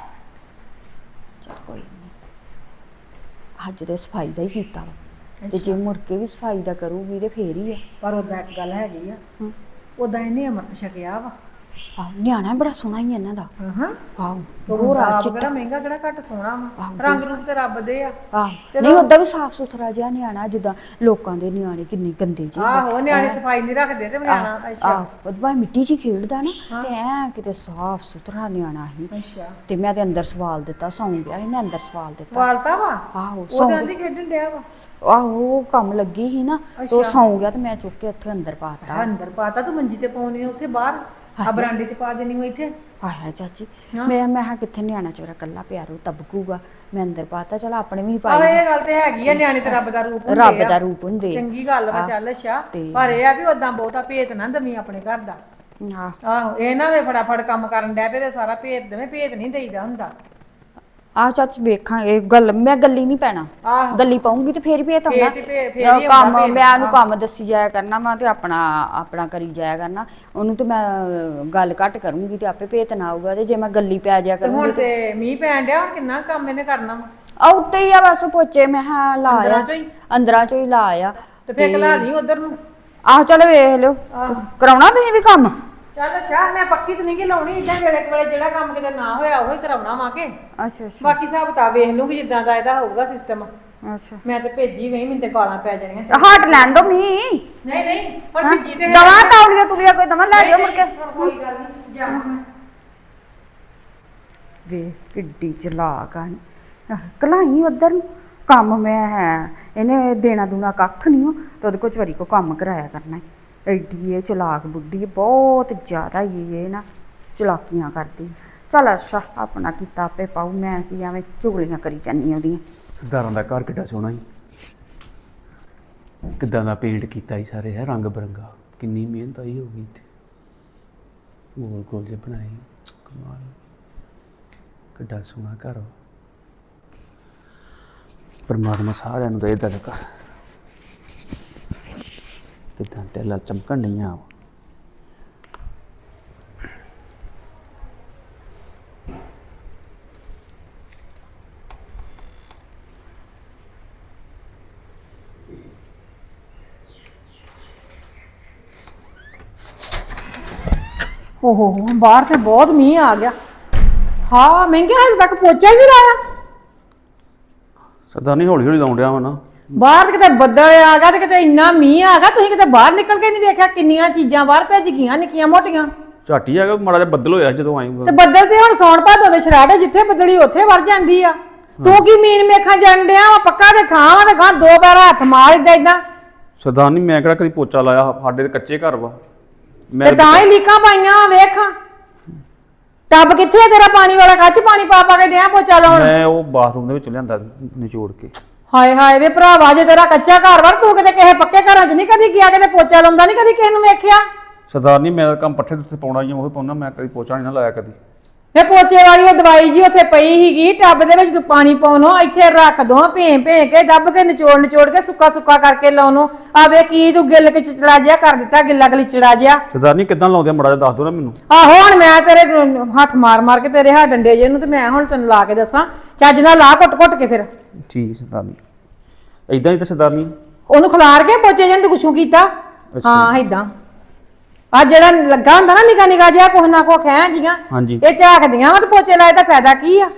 Speaker 2: ਚਲ ਕੋਈ ਨਹੀਂ, ਅੱਜ ਤੇ ਸਫਾਈ ਦਾ ਹੀ ਕੀਤਾ ਵਾ, ਤੇ ਜੇ ਮੁੜ ਕੇ ਵੀ ਸਫਾਈ ਦਾ ਕਰੂਗੀ ਤੇ ਫੇਰ ਹੀ ਆ।
Speaker 5: ਪਰ ਉਹਦਾ ਇੱਕ ਗੱਲ ਹੈਗੀ ਆ,
Speaker 2: ਹਮ।
Speaker 5: ਉਹਦਾ ਇਹਨੇ ਅੰਮ੍ਰਿਤ ਛਕਿਆ ਵਾ।
Speaker 2: ਆਹ ਨਿਆਣਾ ਬੜਾ ਸੋਹਣਾ ਹੀ ਇਹਨਾਂ ਦਾ।
Speaker 5: ਹਾਂ
Speaker 2: ਆਹੋ
Speaker 5: ਹੋਰ
Speaker 2: ਹੋਰ ਆ
Speaker 5: ਕਿਹੜਾ
Speaker 2: ਚਿੱਟਾ।
Speaker 5: ਮਹਿੰਗਾ ਕਿਹੜਾ ਘੱਟ ਸੋਹਣਾ ਵਾ,
Speaker 2: ਆਹੋ।
Speaker 5: ਰੰਗ ਰੂਪ ਤੇ ਰੱਬ ਦੇ ਆ।
Speaker 2: ਆਹ ਨਹੀਂ ਓਦਾਂ ਵੀ ਸਾਫ ਸੁਥਰਾ ਜਿਹਾ ਨਿਆਣਾ, ਜਿੱਦਾਂ ਲੋਕਾਂ ਦੇ ਨਿਆਣੇ ਕਿੰਨੇ ਗੰਦੇ ਜਿਹੇ।
Speaker 5: ਆਹੋ ਨਿਆਣੇ ਸਫਾਈ ਨਹੀਂ ਰੱਖਦੇ ਤੇ ਨਿਆਣਾ। ਅੱਛਾ
Speaker 2: ਆਹ ਉਹਦੇ ਬਾਅਦ ਮਿੱਟੀ 'ਚ ਹੀ ਖੇਡਦਾ ਨਾ, ਤੇ ਐ ਕਿਤੇ ਸਾਫ ਸੁਥਰਾ ਨਿਆਣਾ ਸੀ।
Speaker 5: ਅੱਛਾ
Speaker 2: ਤੇ ਮੈਂ ਤੇ ਅੰਦਰ ਸਵਾਲ ਦਿੱਤਾ, ਸੌਂ ਗਿਆ ਸੀ ਮੈਂ ਅੰਦਰ ਸਵਾਲ ਦਿੱਤਾ।
Speaker 5: ਸਵਾਲਤਾ ਵਾ?
Speaker 2: ਆਹੋ ਸੌਂ
Speaker 5: ਉਹਦੇ ਆਂਦੀ ਖੇਡਣ ਡਿਆ ਵਾ।
Speaker 2: ਆਹੋ ਉਹ ਕੰਮ ਲੱਗੀ ਸੀ ਨਾ, ਤੇ ਉਹ ਸੌਂ ਗਿਆ ਤੇ ਮੈਂ ਚੁੱਕ ਕੇ ਉੱਥੇ ਅੰਦਰ ਪਾਤਾ।
Speaker 5: ਅੰਦਰ ਪਾਤਾ ਤੂੰ ਮੰਜੀ ਤੇ ਪਾਉਣੀ ਉੱਥੇ ਬਾਹਰ ਆ ਬਰਾਂਡੇ 'ਚ ਪਾ ਦੇਣੀ ਉਹ ਇੱਥੇ।
Speaker 2: ਆਇਆ ਚਾਚੀ ਮੈਂ ਮੈਂ ਕਿਹਾ ਕਿੱਥੇ ਨਿਆਣਾ ਚੋਰਾ ਕੱਲਾ ਪਿਆਰੂ ਤਬਕੂਗਾ, ਮੈਂ ਅੰਦਰ ਪਾਤਾ। ਚਲ ਆਪਣੇ ਵੀ
Speaker 5: ਆਹ
Speaker 2: ਪਾਈ,
Speaker 5: ਇਹ ਗੱਲ ਤੇ ਹੈਗੀ ਆ, ਨਿਆਣੇ ਤੇ ਰੱਬ ਦਾ ਰੂਪ ਹੁੰਦੇ
Speaker 2: ਰੱਬ
Speaker 5: ਆ।
Speaker 2: ਦਾ ਰੂਪ ਹੁੰਦੇ ਆ।
Speaker 5: ਚੰਗੀ ਗੱਲ ਵਾ, ਚੱਲ ਅੱਛਾ।
Speaker 2: ਤੇ-
Speaker 5: ਪਰ ਇਹ ਆ ਵੀ ਉਦਾਂ ਬਹੁਤਾ ਭੇਤ ਨਾ ਦਵੀਂ ਆਪਣੇ ਘਰ ਦਾ।
Speaker 2: ਆਹ
Speaker 5: ਆਹੋ ਇਹ ਨਾ ਵੇ ਫਟਾਫਟ ਕੰਮ ਕਰਨ ਡੈ ਪਏ ਤੇ ਸਾਰਾ ਭੇਤ ਦੇਵੇਂ, ਭੇਤ ਨਹੀਂ ਦੇਈਦਾ ਹੁੰਦਾ।
Speaker 2: ਆਹ ਚਾਚੀ ਵੇਖਾਂਗੇ ਗੱਲ, ਮੈਂ ਗੱਲੀ ਨਹੀਂ ਪੈਣਾ,
Speaker 5: ਆਹੋ
Speaker 2: ਗੱਲੀ ਪਾਉਂਗੀ ਤੇ ਫੇਰ ਵੀ ਇਹ ਤਾਂ
Speaker 5: ਫੇਰ
Speaker 2: ਹੁੰਦਾ।
Speaker 5: ਹੀ ਭੇ- ਫੇਰ ਹੀ
Speaker 2: ਕੰਮ
Speaker 5: ਹੁੰਦਾ ਭੇਦ।
Speaker 2: ਮੈਂ ਉਹਨੂੰ ਕੰਮ ਦੱਸੀ ਜਾਇਆ ਕਰਨਾ ਵਾ ਤੇ ਆਪਣਾ ਆਪਣਾ ਕਰੀ ਜਾਇਆ ਕਰਨਾ, ਉਹਨੂੰ ਤੇ ਮੈਂ ਗੱਲ ਘੱਟ ਕਰੂੰਗੀ ਤੇ ਆਪੇ ਭੇਤ ਨਾ ਆਊਗਾ। ਤੇ ਜੇ ਮੈਂ ਗੱਲੀ ਪੈ ਜਾਇਆ
Speaker 5: ਤੇ ਹੁਣ
Speaker 2: ਕਰੂੰਗੀ ਤੇ
Speaker 5: ਤੇ ਮੀਂਹ ਪੈਣ ਡਿਆ, ਹੁਣ ਕਿੰਨਾ ਕੰਮ ਇਹਨੇ ਕਰਨਾ ਵਾ।
Speaker 2: ਆ ਉੱਤੇ ਹੀ ਆ ਬਸ ਪੋਚੇ ਮੈਂ ਹਾਂ ਲਾਇਆ,
Speaker 5: ਅੰਦਰਾਂ ਚੋਂ ਹੀ?
Speaker 2: ਅੰਦਰਾਂ ਚੋਂ ਹੀ ਲਾਇਆ।
Speaker 5: ਤੇ ਫੇਰ ਕਲਾ ਨਹੀਂ ਉਧਰ ਨੂੰ।
Speaker 2: ਆਹ ਚਲੋ ਵੇਖ ਲਿਓ, ਕਰਾਉਣਾ ਤੁਸੀਂ ਵੀ ਕੰਮ?
Speaker 5: ਚੱਲ ਅੱਛਾ ਮੈਂ ਪੱਕੀ ਤੇ ਨਹੀਂ ਕਿ ਲਾਉਣੀ, ਇਦਾਂ ਵੇਲੇ ਕੁ ਵੇਲੇ ਜਿਹੜਾ ਕੰਮ ਕਿਤੇ ਨਾ ਹੋਇਆ ਉਹ ਹੀ ਕਰਾਉਣਾ ਵਾ ਕੇ।
Speaker 2: ਅੱਛਾ ਅੱਛਾ
Speaker 5: ਬਾਕੀ ਹਿਸਾਬ ਕਿਤਾਬ ਵੇਖ ਲੂੰਗੀ ਜਿੱਦਾਂ ਦਾ ਇਹਦਾ ਹੋਊਗਾ ਸਿਸਟਮ।
Speaker 2: ਅੱਛਾ
Speaker 5: ਮੈਂ ਤੇ ਭੇਜੀ ਗਈ, ਮੈਨੂੰ ਤੇ ਗਾਲਾਂ ਪੈ ਜਾਣੀਆਂ।
Speaker 2: ਹਟ ਲੈਣ ਦੋ ਮੀ
Speaker 5: ਨਹੀਂ ਨਹੀਂ ਹੁਣ ਭੇਜੀ ਤੇ
Speaker 2: ਦਵਾ ਤੌਲੀਆਂ ਤੁਲੀਆਂ ਕੋਈ ਦਵਾ ਲੈ ਜਾਓ ਮੁੜ ਕੇ।
Speaker 5: ਕੋਈ ਗੱਲ ਨਹੀਂ ਜਾ ਮੈਂ।
Speaker 2: ਵੇ ਕਿੱਡੀ ਚਲਾਕ ਆ, ਕਲਾਈ ਉਧਰ ਨੂੰ ਕੰਮ ਮੈਂ ਹੈ, ਇਹਨੇ ਦੇਣਾ ਦੂਣਾ ਕੱਖ ਨਹੀਂ ਹੋ ਤੇ ਉਹਦੇ ਕੋਲ ਚਵਰੀ ਕੋ ਕੰਮ ਕਰਾਇਆ ਕਰਨਾ। ਐਡੀ ਇਹ ਚਲਾਕ ਬੁੱਢੀ, ਬਹੁਤ ਜ਼ਿਆਦਾ ਹੀ ਇਹ ਨਾ ਚਲਾਕੀਆਂ ਕਰਦੀ। ਚੱਲ ਅੱਛਾ ਆਪਣਾ ਕੀਤਾ ਆਪੇ ਪਾਉ, ਮੈਂ ਕੀ ਐਵੇਂ ਚੁਗਲੀਆਂ ਕਰੀ ਜਾਂਦੀ ਉਹਦੀਆਂ।
Speaker 3: ਸਰਦਾਰਾਂ ਦਾ ਘਰ ਕਿੱਡਾ ਸੋਹਣਾ ਸੀ, ਕਿੱਦਾਂ ਦਾ ਪੇਂਟ ਕੀਤਾ ਸੀ ਸਾਰੇ, ਹੈ ਰੰਗ ਬਰੰਗਾ, ਕਿੰਨੀ ਮਿਹਨਤ ਆਈ ਹੋਊਗੀ ਇੱਥੇ।
Speaker 4: ਗੋਲ ਗੋਲ ਜਿਹੇ ਬਣਾਏ ਕਮਾਲ ਕਿੱਡਾ ਸੋਹਣਾ ਘਰ ਵਾ। ਪਰਮਾਤਮਾ ਸਾਰਿਆਂ ਨੂੰ ਦੇ ਦਰ ਕਰ ਕਿੱਦਾਂ ਟੈਲਾਂ ਚਮਕਣ ਨਹੀਂ ਆ
Speaker 5: ਓਹੋ ਹੋ ਬਾਹਰ ਤੇ ਬਹੁਤ ਮੀਂਹ ਆ ਗਿਆ। ਹਾਂ ਮਹਿੰਗੇ ਹਜੇ ਤੱਕ ਪੋਚਾ ਹੀ ਨਹੀਂ ਲਾਇਆ।
Speaker 4: ਸਰਦਾਰਨੀ ਹੌਲੀ ਹੌਲੀ ਲਾਉਣ ਡਿਆ ਵਾ ਨਾ।
Speaker 5: ਬਾਹਰ ਕਿਤੇ ਬੱਦਲ ਆ ਗਿਆ ਤੇ ਕਿਤੇ ਇੰਨਾ ਮੀਂਹ ਆ ਗਿਆ ਤੁਸੀਂ ਕਿਤੇ ਬਾਹਰ ਨਿਕਲ ਕੇ ਨਹੀਂ ਵੇਖਿਆ ਕਿੰਨੀਆਂ ਚੀਜ਼ਾਂ ਬਾਹਰ ਭੱਜ ਗਈਆਂ ਨਿੱਕੀਆਂ ਮੋਟੀਆਂ।
Speaker 4: ਝਾਟੀ ਆ ਗਿਆ ਮਾੜਾ ਜਿਹਾ ਬੱਦਲ ਹੋਇਆ ਜਦੋਂ ਆਈ
Speaker 5: ਤੇ ਬੱਦਲ ਤੇ ਹੁਣ ਸੌਣ ਭਾਦੋ ਦੇ ਸ਼ਰਾੜੇ ਜਿੱਥੇ ਬੱਦਲੀ ਉੱਥੇ ਵਰ ਜਾਂਦੀ ਆ। ਤੂੰ ਕੀ ਮੀਨ ਮੇਖਾਂ ਜਾਣ ਡਿਆ ਵਾ ਪੱਕਾ ਤੇ ਥਾਂ ਵਾ ਤੇ ਗਾਂ ਦੋ ਪੈਰ ਹੱਥ ਮਾਰ ਇਦਾਂ ਇਦਾਂ।
Speaker 4: ਸਰਦਾਰਨੀ ਮੈਂ ਕਿਹੜਾ ਕਦੀ ਪੋਚਾ ਲਾਇਆ ਸਾਡੇ ਤੇ ਕੱਚੇ ਘਰ ਵਾ।
Speaker 5: ਤੇ ਤਾਂ ਹੀ ਲੀਕਾਂ ਪਾਈਆਂ ਵੇਖ ਟੱਬ ਕਿੱਥੇ ਆ ਤੇਰਾ ਪਾਣੀ ਵਾਲਾ ਕੱਚ ਪਾਣੀ ਪਾ ਪਾ ਕੇ ਡਿਆ ਪੋਚਾ ਲਾਉਣ।
Speaker 4: ਮੈਂ ਉਹ ਬਾਥਰੂਮ ਦੇ ਵਿੱਚ ਲਿਆਂਦਾ ਨਿਚੋੜ ਕੇ।
Speaker 5: ਹਾਏ ਹਾਏ ਵੇ ਭਰਾਵਾ ਜੇ ਤੇਰਾ ਕੱਚਾ ਘਰ ਵਰ ਤੂੰ ਕਿਤੇ ਕਿਸੇ ਪੱਕੇ ਘਰਾਂ 'ਚ ਨਹੀਂ ਕਦੀ ਗਿਆ ਕਿਤੇ ਪੋਚਾ ਲਾਉਂਦਾ ਨਹੀਂ ਕਦੀ ਕਿਸੇ ਨੂੰ ਵੇਖਿਆ।
Speaker 4: ਸਰਦਾਰਨੀ ਮੇਰਾ ਕੰਮ ਪੱਠੇ ਤੇ ਪਾਉਣਾ ਹੀ ਉਹ ਪਾਉਣਾ ਮੈਂ ਕਦੀ ਪੋਚਾ ਨਹੀਂ ਨਾ ਲਾਇਆ ਕਦੀ।
Speaker 5: ਵੇ ਪੋਚੇ ਵਾਲੀ ਉਹ ਦਵਾਈ ਜੀ ਉੱਥੇ ਪਈ ਸੀਗੀ ਟੱਬ ਦੇ ਵਿੱਚ ਤੂੰ ਪਾਣੀ ਪਾਉਣੋ ਇੱਥੇ ਰੱਖ ਦੋ ਭੇਂ ਭੇਂ ਕੇ ਦੱਬ ਕੇ ਨਿਚੋੜ ਨਿਚੋੜ ਕੇ ਸੁੱਕਾ ਸੁੱਕਾ ਕਰਕੇ ਲਾਉਣੋ। ਆ ਵੇ ਕੀ ਤੂੰ ਗਿੱਲ ਕੇ ਚਿਚੜਾ ਜਿਹਾ ਕਰ ਦਿੱਤਾ ਗਿੱਲਾ ਗਲੀਚੜਾ ਜਿਹਾ।
Speaker 4: ਸਰਦਾਰਨੀ ਕਿੱਦਾਂ ਲਾਉਂਦੇ ਆ ਮਾੜਾ ਜਿਹਾ ਦੱਸ ਦੋ ਨਾ ਮੈਨੂੰ।
Speaker 5: ਆਹੋ ਹੁਣ ਮੈਂ ਤੇਰੇ ਹੱਥ ਮਾਰ ਮਾਰ ਕੇ ਤੇਰੇ ਹੱਥ ਡੰਡੇ ਜੇ ਨੂੰ ਤੇ ਮੈਂ ਹੁਣ ਤੈਨੂੰ ਲਾ ਕੇ ਦੱਸਾਂ ਚੱਜ ਨਾਲ ਲਾ ਘੁੱਟ ਘੁੱਟ ਕੇ ਫਿਰ।
Speaker 4: ਠੀਕ ਸਰਦਾਰਨੀ ਏਦਾਂ ਹੀ ਤਾਂ ਸਰਦਾਰਨੀ
Speaker 5: ਉਹਨੂੰ ਖਿਲਾਰ ਕੇ ਪੋਚੇ ਜਿਹਨੂੰ ਕੁਛੂ ਕੀਤਾ। ਹਾਂ ਏਦਾਂ ਆ ਜਿਹੜਾ ਲੱਗਾ ਹੁੰਦਾ ਨਾ ਨਿਕਾ ਨਿਕਾ ਜਿਹਾ ਕੁਛ ਨਾ ਕੁਛ ਖੈਂ ਜੀਆਂ
Speaker 4: ਹਾਂਜੀ
Speaker 5: ਇਹ ਝਾਕਦੀਆਂ ਵਾ ਤੇ ਪੋਚੇ ਲਾਏ ਦਾ ਫਾਇਦਾ ਕੀ ਆ।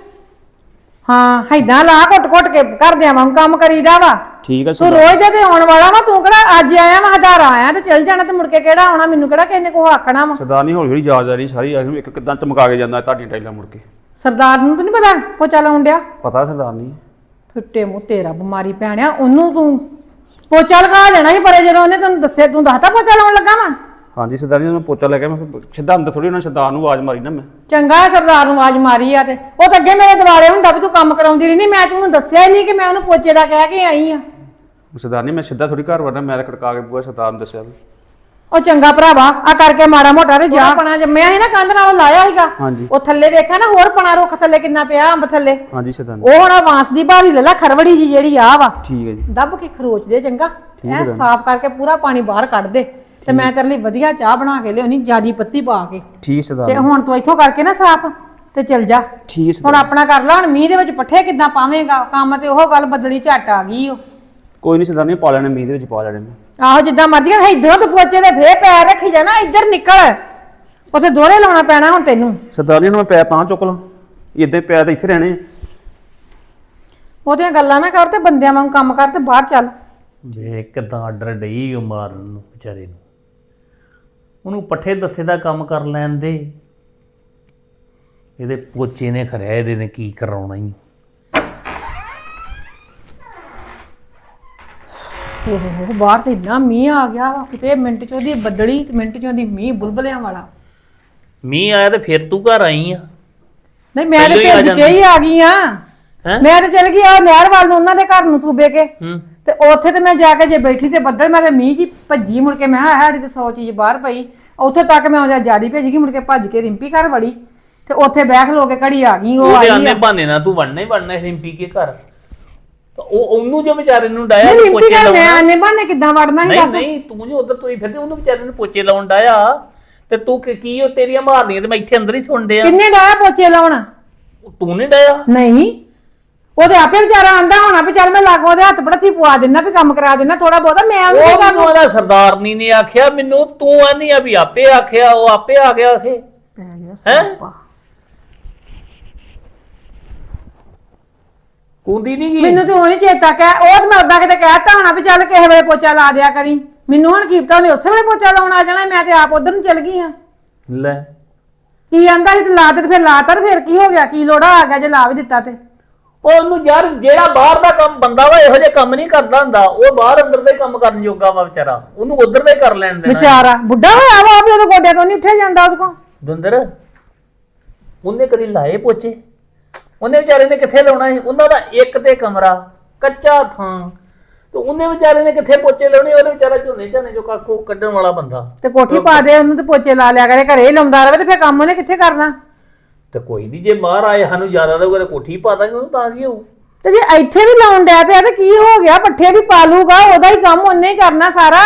Speaker 5: ਹਾਂ ਏਦਾਂ ਲਾ ਘੁੱਟ ਘੁੱਟ ਕੇ ਕਰਦਿਆਂ ਵਾਂ ਕੰਮ ਕਰੀਦਾ ਵਾ।
Speaker 4: ਠੀਕ ਆ
Speaker 5: ਤੂੰ ਰੋਜ਼ ਦੇ ਤੇ ਆਉਣ ਵਾਲਾ ਵਾ ਤੂੰ ਕਿਹੜਾ ਅੱਜ ਆਇਆ ਵਾ ਹਜ਼ਾਰਾਂ ਆਇਆ ਤੇ ਚੱਲ ਜਾਣਾ ਤੇ ਮੁੜ ਕੇ ਕਿਹੜਾ ਆਉਣਾ ਮੈਨੂੰ ਕਿਹੜਾ ਕਿਸੇ ਨੇ ਕੋ ਆਖਣਾ ਵਾ।
Speaker 4: ਸਰਦਾਰਨੀ ਹੌਲੀ ਹੌਲੀ ਯਾਦ ਆ ਰਹੀ ਸਾਰੀ ਆ ਇੱਕ ਕਿੱਦਾਂ ਚਮਕਾ ਕੇ ਜਾਂਦਾ ਤੁਹਾਡੀਆਂ ਟਾਈਲਾਂ ਮੁੜ ਕੇ।
Speaker 5: ਸਰਦਾਰ ਨੂੰ ਤਾਂ ਨਹੀਂ ਪਤਾ ਪੋਚਾ ਲਾਉਣ ਡਿਆ।
Speaker 4: ਪਤਾ ਸਰਦਾਰਨੀ
Speaker 5: ਫਿੱਟੇ ਮੂੰਹ ਤੇਰਾ ਬਿਮਾਰੀ ਪੈਣਿਆ ਉਹਨੂੰ ਤੂੰ ਪੋਚਾ ਲਗਾ ਲੈਣਾ ਸੀ ਪਰ ਜਦੋਂ ਉਹਨੇ ਤੈਨੂੰ ਦੱਸਿਆ ਤੂੰ ਦੱਸਤਾ ਪੋਚਾ ਲਾਉਣ ਲੱਗਾ ਵਾ।
Speaker 4: ਹਾਂਜੀ ਸਰਦਾਰਨੀ ਮੈਂ ਪੋਚਾ ਲੈ ਕੇ ਮੈਂ ਸਿੱਧਾ ਅੰਦਰ ਥੋੜੀ ਉਹਨਾਂ ਸਰਦਾਰ ਨੂੰ ਆਵਾਜ਼ ਮਾਰੀ ਨਾ ਮੈਂ।
Speaker 5: ਚੰਗਾ ਹੈ ਸਰਦਾਰ ਨੂੰ ਆਵਾਜ਼ ਮਾਰੀ ਆ ਤੇ ਉਹ ਤਾਂ ਅੱਗੇ ਮੇਰੇ ਦਿਵਾਲੇ ਹੁੰਦਾ ਵੀ ਤੂੰ ਕੰਮ ਕਰਾਉਂਦੀ ਰਹੀ ਨਹੀਂ ਮੈਂ ਤੈਨੂੰ ਦੱਸਿਆ ਹੀ ਨਹੀਂ ਕਿ ਮੈਂ ਉਹਨੂੰ ਪੋਚੇ ਦਾ ਕਹਿ ਕੇ ਆਈ ਆ।
Speaker 4: ਸਰਦਾਰਨੀ ਮੈਂ ਸਿੱਧਾ ਥੋੜੀ ਘਰ ਵੜਨਾ ਮੈਂ ਤਾਂ ਖੜਕਾ ਕੇ ਬੂਆ ਸਰਦਾਰ ਨੂੰ ਦੱਸਿਆ।
Speaker 5: ਉਹ ਚੰਗਾ ਭਰਾਵਾ ਆ ਕਰਕੇ ਮਾੜਾ ਮੋਟਾ ਤੇ ਜਾ ਪਣਾ ਜੰਮਿਆ ਸੀ ਨਾ ਕੰਧ ਨਾਲ ਲਾਇਆ ਸੀਗਾ
Speaker 4: ਹਾਂਜੀ
Speaker 5: ਉਹ ਥੱਲੇ ਵੇਖਿਆ ਨਾ ਹੋਰ ਪਣਾ ਰੁੱਖ ਥੱਲੇ ਕਿੰਨਾ ਪਿਆ ਅੰਬ ਥੱਲੇ।
Speaker 4: ਹਾਂਜੀ ਸਰਦਾਰਨੀ
Speaker 5: ਉਹ ਹੁਣ ਵਾਂਸ ਦੀ ਬਾਰੀ ਲੈ ਲੈ ਖਰਵੜੀ ਜੀ ਜਿਹੜੀ ਆ ਵਾ
Speaker 4: ਠੀਕ ਹੈ ਜੀ
Speaker 5: ਦੱਬ ਕੇ ਖਰੋਚ ਦੇ ਚੰਗਾ ਐ ਸਾਫ਼ ਕਰਕੇ ਪੂਰਾ ਪਾਣੀ ਬਾਹਰ ਕੱਢ ਦੇ ਤੇ ਮੈਂ ਤੇਰੇ ਲਈ ਵਧੀਆ ਚਾਹ ਬਣਾ ਕੇ ਲਿਆਉਣੀ ਜਿਆਦੀ ਪੱਤੀ ਪਾ ਕੇ।
Speaker 4: ਠੀਕ
Speaker 5: ਤੇ
Speaker 4: ਸਰਦਾਰਨੀ
Speaker 5: ਹੁਣ ਤੂੰ ਇੱਥੋਂ ਕਰਕੇ ਨਾ ਸਾਫ਼ ਤੇ ਚੱਲ ਜਾ।
Speaker 4: ਠੀਕ
Speaker 5: ਹੁਣ ਆਪਣਾ ਕਰ ਲਾ ਹੁਣ ਮੀਂਹ ਦੇ ਵਿੱਚ ਪੱਠੇ ਕਿੱਦਾਂ ਪਾਵੇਂਗਾ ਕੰਮ ਤੇ ਉਹ ਗੱਲ ਬਦਲੀ ਝੱਟ ਆ ਗਈ ਉਹ।
Speaker 4: ਕੋਈ ਨਹੀਂ ਸਰਦਾਰਨੀ ਪਾ ਲੈਣੇ ਮੀਂਹ ਦੇ ਵਿੱਚ ਪਾ ਲੈਣੇ ਮੈਂ।
Speaker 5: ਆਹੋ ਜਿੱਦਾਂ ਮਰਜ਼ੀ ਕਰ ਇਧਰੋਂ ਤੇ ਪੋਚੇ ਦੇ ਫੇਰ ਪੈਰ ਰੱਖੀ ਜਾਣਾ ਇੱਧਰ ਨਿਕਲ ਉੱਥੇ ਦੋਹਰੇ ਲਾਉਣਾ ਪੈਣਾ ਹੁਣ ਤੈਨੂੰ।
Speaker 4: ਸਰਦਾਰਨੀ ਨੂੰ ਮੈਂ ਪੈ ਪਾਂ ਚੁੱਕ ਲਾਂ ਇਦਾਂ ਪੈ ਤਾਂ ਇੱਥੇ ਰਹਿਣੇ।
Speaker 5: ਉਹਦੀਆਂ ਗੱਲਾਂ ਨਾ ਕਰ ਤੇ ਬੰਦਿਆਂ ਵਾਂਗ ਕੰਮ ਕਰ ਤੇ ਬਾਹਰ ਚੱਲ।
Speaker 3: ਜੇ ਕਿਦਾਂ ਆਰਡਰ ਡਈ ਉਹ ਮਾਰਨ ਨੂੰ ਵਿਚਾਰੇ ਨੂੰ ਉਹਨੂੰ ਪੱਠੇ ਦੱਸੇ ਦਾ ਕੰਮ ਕਰ ਲੈਣ ਦੇ। ਇਹਦੇ ਪੋਚੇ ਨੇ ਖਰਿਆ ਇਹਦੇ ਨੇ ਕੀ ਕਰਾਉਣਾ ਹੀ।
Speaker 5: ਓਹ ਬਾਹਰ ਤੇ ਇੰਨਾ ਮੀਂਹ ਆ ਗਿਆ ਵਾ ਕਿਤੇ ਮਿੰਟ ਚ ਉਹਦੀ ਬੱਦਲੀ ਤੇ ਮਿੰਟ ਚ ਉਹਦੀ ਮੀਂਹ ਬੁਲਬੁਲਿਆਂ ਵਾਲਾ।
Speaker 3: ਮੀਂਹ ਆਇਆ ਤੇ ਫਿਰ ਤੂੰ ਘਰ ਆਈ ਆ।
Speaker 5: ਨਹੀਂ ਮੈਂ ਤੇ
Speaker 3: ਪਹਿਲਾਂ ਹੀ ਆ
Speaker 5: ਭੱਜ ਕੇ ਹੀ ਆ ਗਈ ਆ।
Speaker 3: ਹੈਂ?
Speaker 5: ਮੈਂ ਤੇ ਚਲ ਗਈ ਆ ਨਹਿਰ ਵੱਲ ਨੂੰ ਉਹਨਾਂ ਦੇ ਘਰ ਨੂੰ ਸੂਬੇ ਕੇ
Speaker 3: ਹੂੰ
Speaker 5: ਤੇ ਉੱਥੇ ਤੇ ਮੈਂ ਜਾ ਕੇ ਜੇ ਬੈਠੀ ਤੇ ਬੱਦਲ ਮੈਂ ਤੇ ਮੀਂਹ ਜੀ ਭੱਜੀ ਮੁੜ ਕੇ ਮੈਂ ਕਿਹਾ ਸਾਡੀ ਤੇ ਸੌ ਚੀਜ਼ ਬਾਹਰ ਪਈ ਉੱਥੇ ਤੱਕ ਮੈਂ ਉਹਦਾ ਜਿਆਦੀ ਭੇਜ ਗਈ ਮੁੜ ਕੇ ਭੱਜ ਕੇ ਰਿੰਪੀ ਘਰ ਵੜੀ ਤੇ ਉੱਥੇ ਬੈਠ ਲੋ ਕੇ ਘੜੀ ਆ ਗਈ ਉਹ
Speaker 3: ਉਹਦੇ
Speaker 5: ਆਈ
Speaker 3: ਆਨੇ
Speaker 5: ਆ।
Speaker 3: ਬਹਾਨੇ ਨਾਲ ਤੂੰ ਵੜਨਾ ਹੀ ਵੜਨਾ ਰਿੰਪੀ ਕੇ ਘਰ ਤਾਂ ਉਹ ਉਹਨੂੰ ਜੇ ਵਿਚਾਰੇ ਨੂੰ ਡਾਇਆ
Speaker 5: ਨਹੀਂ ਰਿੰਪੀ
Speaker 3: ਪੋਚੇ
Speaker 5: ਘਰ ਮੈਂ
Speaker 3: ਲਾਉਣਾ।
Speaker 5: ਆਨੇ ਬਾਨੇ ਕਿੱਦਾਂ ਵੜਨਾ ਸੀ
Speaker 3: ਨਹੀਂ
Speaker 5: ਦੱਸ।
Speaker 3: ਨਹੀਂ ਤੂੰ ਜੋ ਉਧਰ ਤੁਰੀ ਫਿਰਦੇ ਉਹਨੂੰ ਵਿਚਾਰੇ ਨੂੰ ਪੋਚੇ ਲਾਉਣ ਡਾਇਆ ਤੇ ਤੂੰ ਕੀ- ਕੀ ਉਹ ਤੇਰੀਆਂ ਮਾਰਨੀਆਂ ਤੇ ਮੈਂ ਇੱਥੇ ਅੰਦਰ ਹੀ ਸੁਣ ਡਿਆ।
Speaker 5: ਕਿੰਨੇ ਡਾਇਆ ਪੋਚੇ ਲਾਉਣ?
Speaker 3: ਤੂੰ ਨਹੀਂ ਡਾਇਆ।
Speaker 5: ਨਹੀਂ ਉਹਦੇ ਆਪੇ ਵਿਚਾਰਾ ਆਂਦਾ ਹੋਣਾ ਵੀ ਚੱਲ ਮੈਂ ਲਾਗੋ ਉਹਦੇ ਹੱਥ ਪੜਥੀ ਪਵਾ ਦਿੰਦਾ ਵੀ ਕੰਮ ਕਰਾ ਦਿੰਦਾ ਥੋੜਾ ਬਹੁਤਾ ਮੈਂ ਉਹਨੂੰ
Speaker 3: ਉਹ
Speaker 5: ਕੀ
Speaker 3: ਮੈਨੂੰ ਉਹਦਾ ਸਰਦਾਰਨੀ ਨੇ ਆਖਿਆ ਮੈਨੂੰ ਤੂੰ ਆਨੀ ਆ ਵੀ ਆਪੇ ਆਖਿਆ ਉਹ ਆਪੇ ਆ ਗਿਆ ਆਖੇ ਹੈ ਕੁੰਦੀ ਨਹੀਂ ਗਈ।
Speaker 5: ਮੈਨੂੰ ਤੇ ਉਹ ਨੀ ਚੇਤਾ ਕਹਿ ਉਹ ਤੇ ਮੈਂ ਉਦਾਂ ਕਿਤੇ ਕਹਿਤਾ ਹੋਣਾ ਵੀ ਚੱਲ ਕਿਸੇ ਵੇਲੇ ਪੋਚਾ ਲਾ ਦਿਆ ਕਰੀ ਮੈਨੂੰ ਹੁਣ ਕੀਪਤਾ ਉਹਨੇ ਉਸੇ ਵੇਲੇ ਪੋਚਾ ਲਾਉਣ ਆ ਜਾਣਾ ਮੈਂ ਤੇ ਆਪ ਉਧਰ ਨੂੰ ਚਲ ਗਈ ਆ।
Speaker 3: ਲੈ
Speaker 5: ਕੀ ਆਂਦਾ ਸੀ ਤੇ ਲਾ ਦੇ ਤੇ ਫਿਰ ਲਾਤਾ ਤੇ ਫਿਰ ਕੀ ਹੋ ਗਿਆ ਕੀ ਲੋੜਾ ਆ ਗਿਆ ਜੇ ਲਾ ਵੀ ਦਿੱਤਾ ਤੇ।
Speaker 3: ਉਹ ਉਹਨੂੰ ਯਾਰ ਜਿਹੜਾ ਬਾਹਰ ਦਾ ਕੰਮ ਬੰਦਾ ਵਾ ਇਹੋ ਜਿਹੇ ਕੰਮ ਨਹੀਂ ਕਰਦਾ ਹੁੰਦਾ ਉਹ ਬਾਹਰ ਅੰਦਰ ਦਾ ਹੀ ਕੰਮ ਕਰਨ ਜੋਗਾ ਵਾ ਵਿਚਾਰਾ ਉਹਨੂੰ ਉਧਰ ਦਾ ਹੀ ਕਰ ਲੈਣ ਦੇਣਾ।
Speaker 5: ਵਿਚਾਰਾ ਬੁੱਢਾ ਹੋਇਆ ਵਾ ਵੀ ਉਹਦੇ ਗੋਡਿਆਂ ਤੋਂ ਨਹੀਂ ਉੱਠਿਆ ਜਾਂਦਾ ਉਹਦੇ ਕੋਲ।
Speaker 3: ਦੁੰਦਰ ਉਹਨੇ ਕਦੀ ਲਾਏ ਪੋਚੇ ਉਹਨੇ ਵਿਚਾਰੇ ਨੇ ਕਿੱਥੇ ਲਾਉਣਾ ਸੀ ਉਹਨਾਂ ਦਾ ਇੱਕ ਤੇ ਕਮਰਾ ਕੱਚਾ ਥਾਂ ਤੇ ਉਹਨੇ ਵਿਚਾਰੇ ਨੇ ਕਿੱਥੇ ਪੋਚੇ ਲਾਉਣੇ, ਉਹਦੇ ਵਿਚਾਰਾ ਝੋਨੇ ਝਾਨੇ ਚੋਂ ਕੱਖੋਂ ਕੱਢਣ ਵਾਲਾ ਬੰਦਾ।
Speaker 5: ਤੇ ਕੋਠੀ ਪਾ ਦੇ ਉਹਨੂੰ, ਤੇ ਪੋਚੇ ਲਾ ਲਿਆ ਕਰੇ, ਘਰੇ ਹੀ ਲਾਉਂਦਾ ਰਹੇ, ਤੇ ਫਿਰ ਕੰਮ ਉਹਨੇ ਕਿੱਥੇ ਕਰਨਾ?
Speaker 3: ਤੇ ਕੋਈ ਨਹੀਂ, ਜੇ ਬਾਹਰ ਆਏ ਸਾਨੂੰ ਜ਼ਿਆਦਾ ਦਊਗਾ ਤੇ ਕੋਠੀ ਪਾ ਦਾਂਗੇ ਉਹਨੂੰ, ਤਾਂ ਕੀ ਹੋਊ।
Speaker 5: ਤੇ ਜੇ ਇੱਥੇ ਵੀ ਲਾਉਣ ਡਿਆ ਪਿਆ ਤੇ ਕੀ ਹੋ ਗਿਆ? ਪੱਠੇ ਵੀ ਪਾ ਲੂਗਾ, ਉਹਦਾ ਹੀ ਕੰਮ ਉਹਨੇ ਹੀ ਕਰਨਾ ਸਾਰਾ।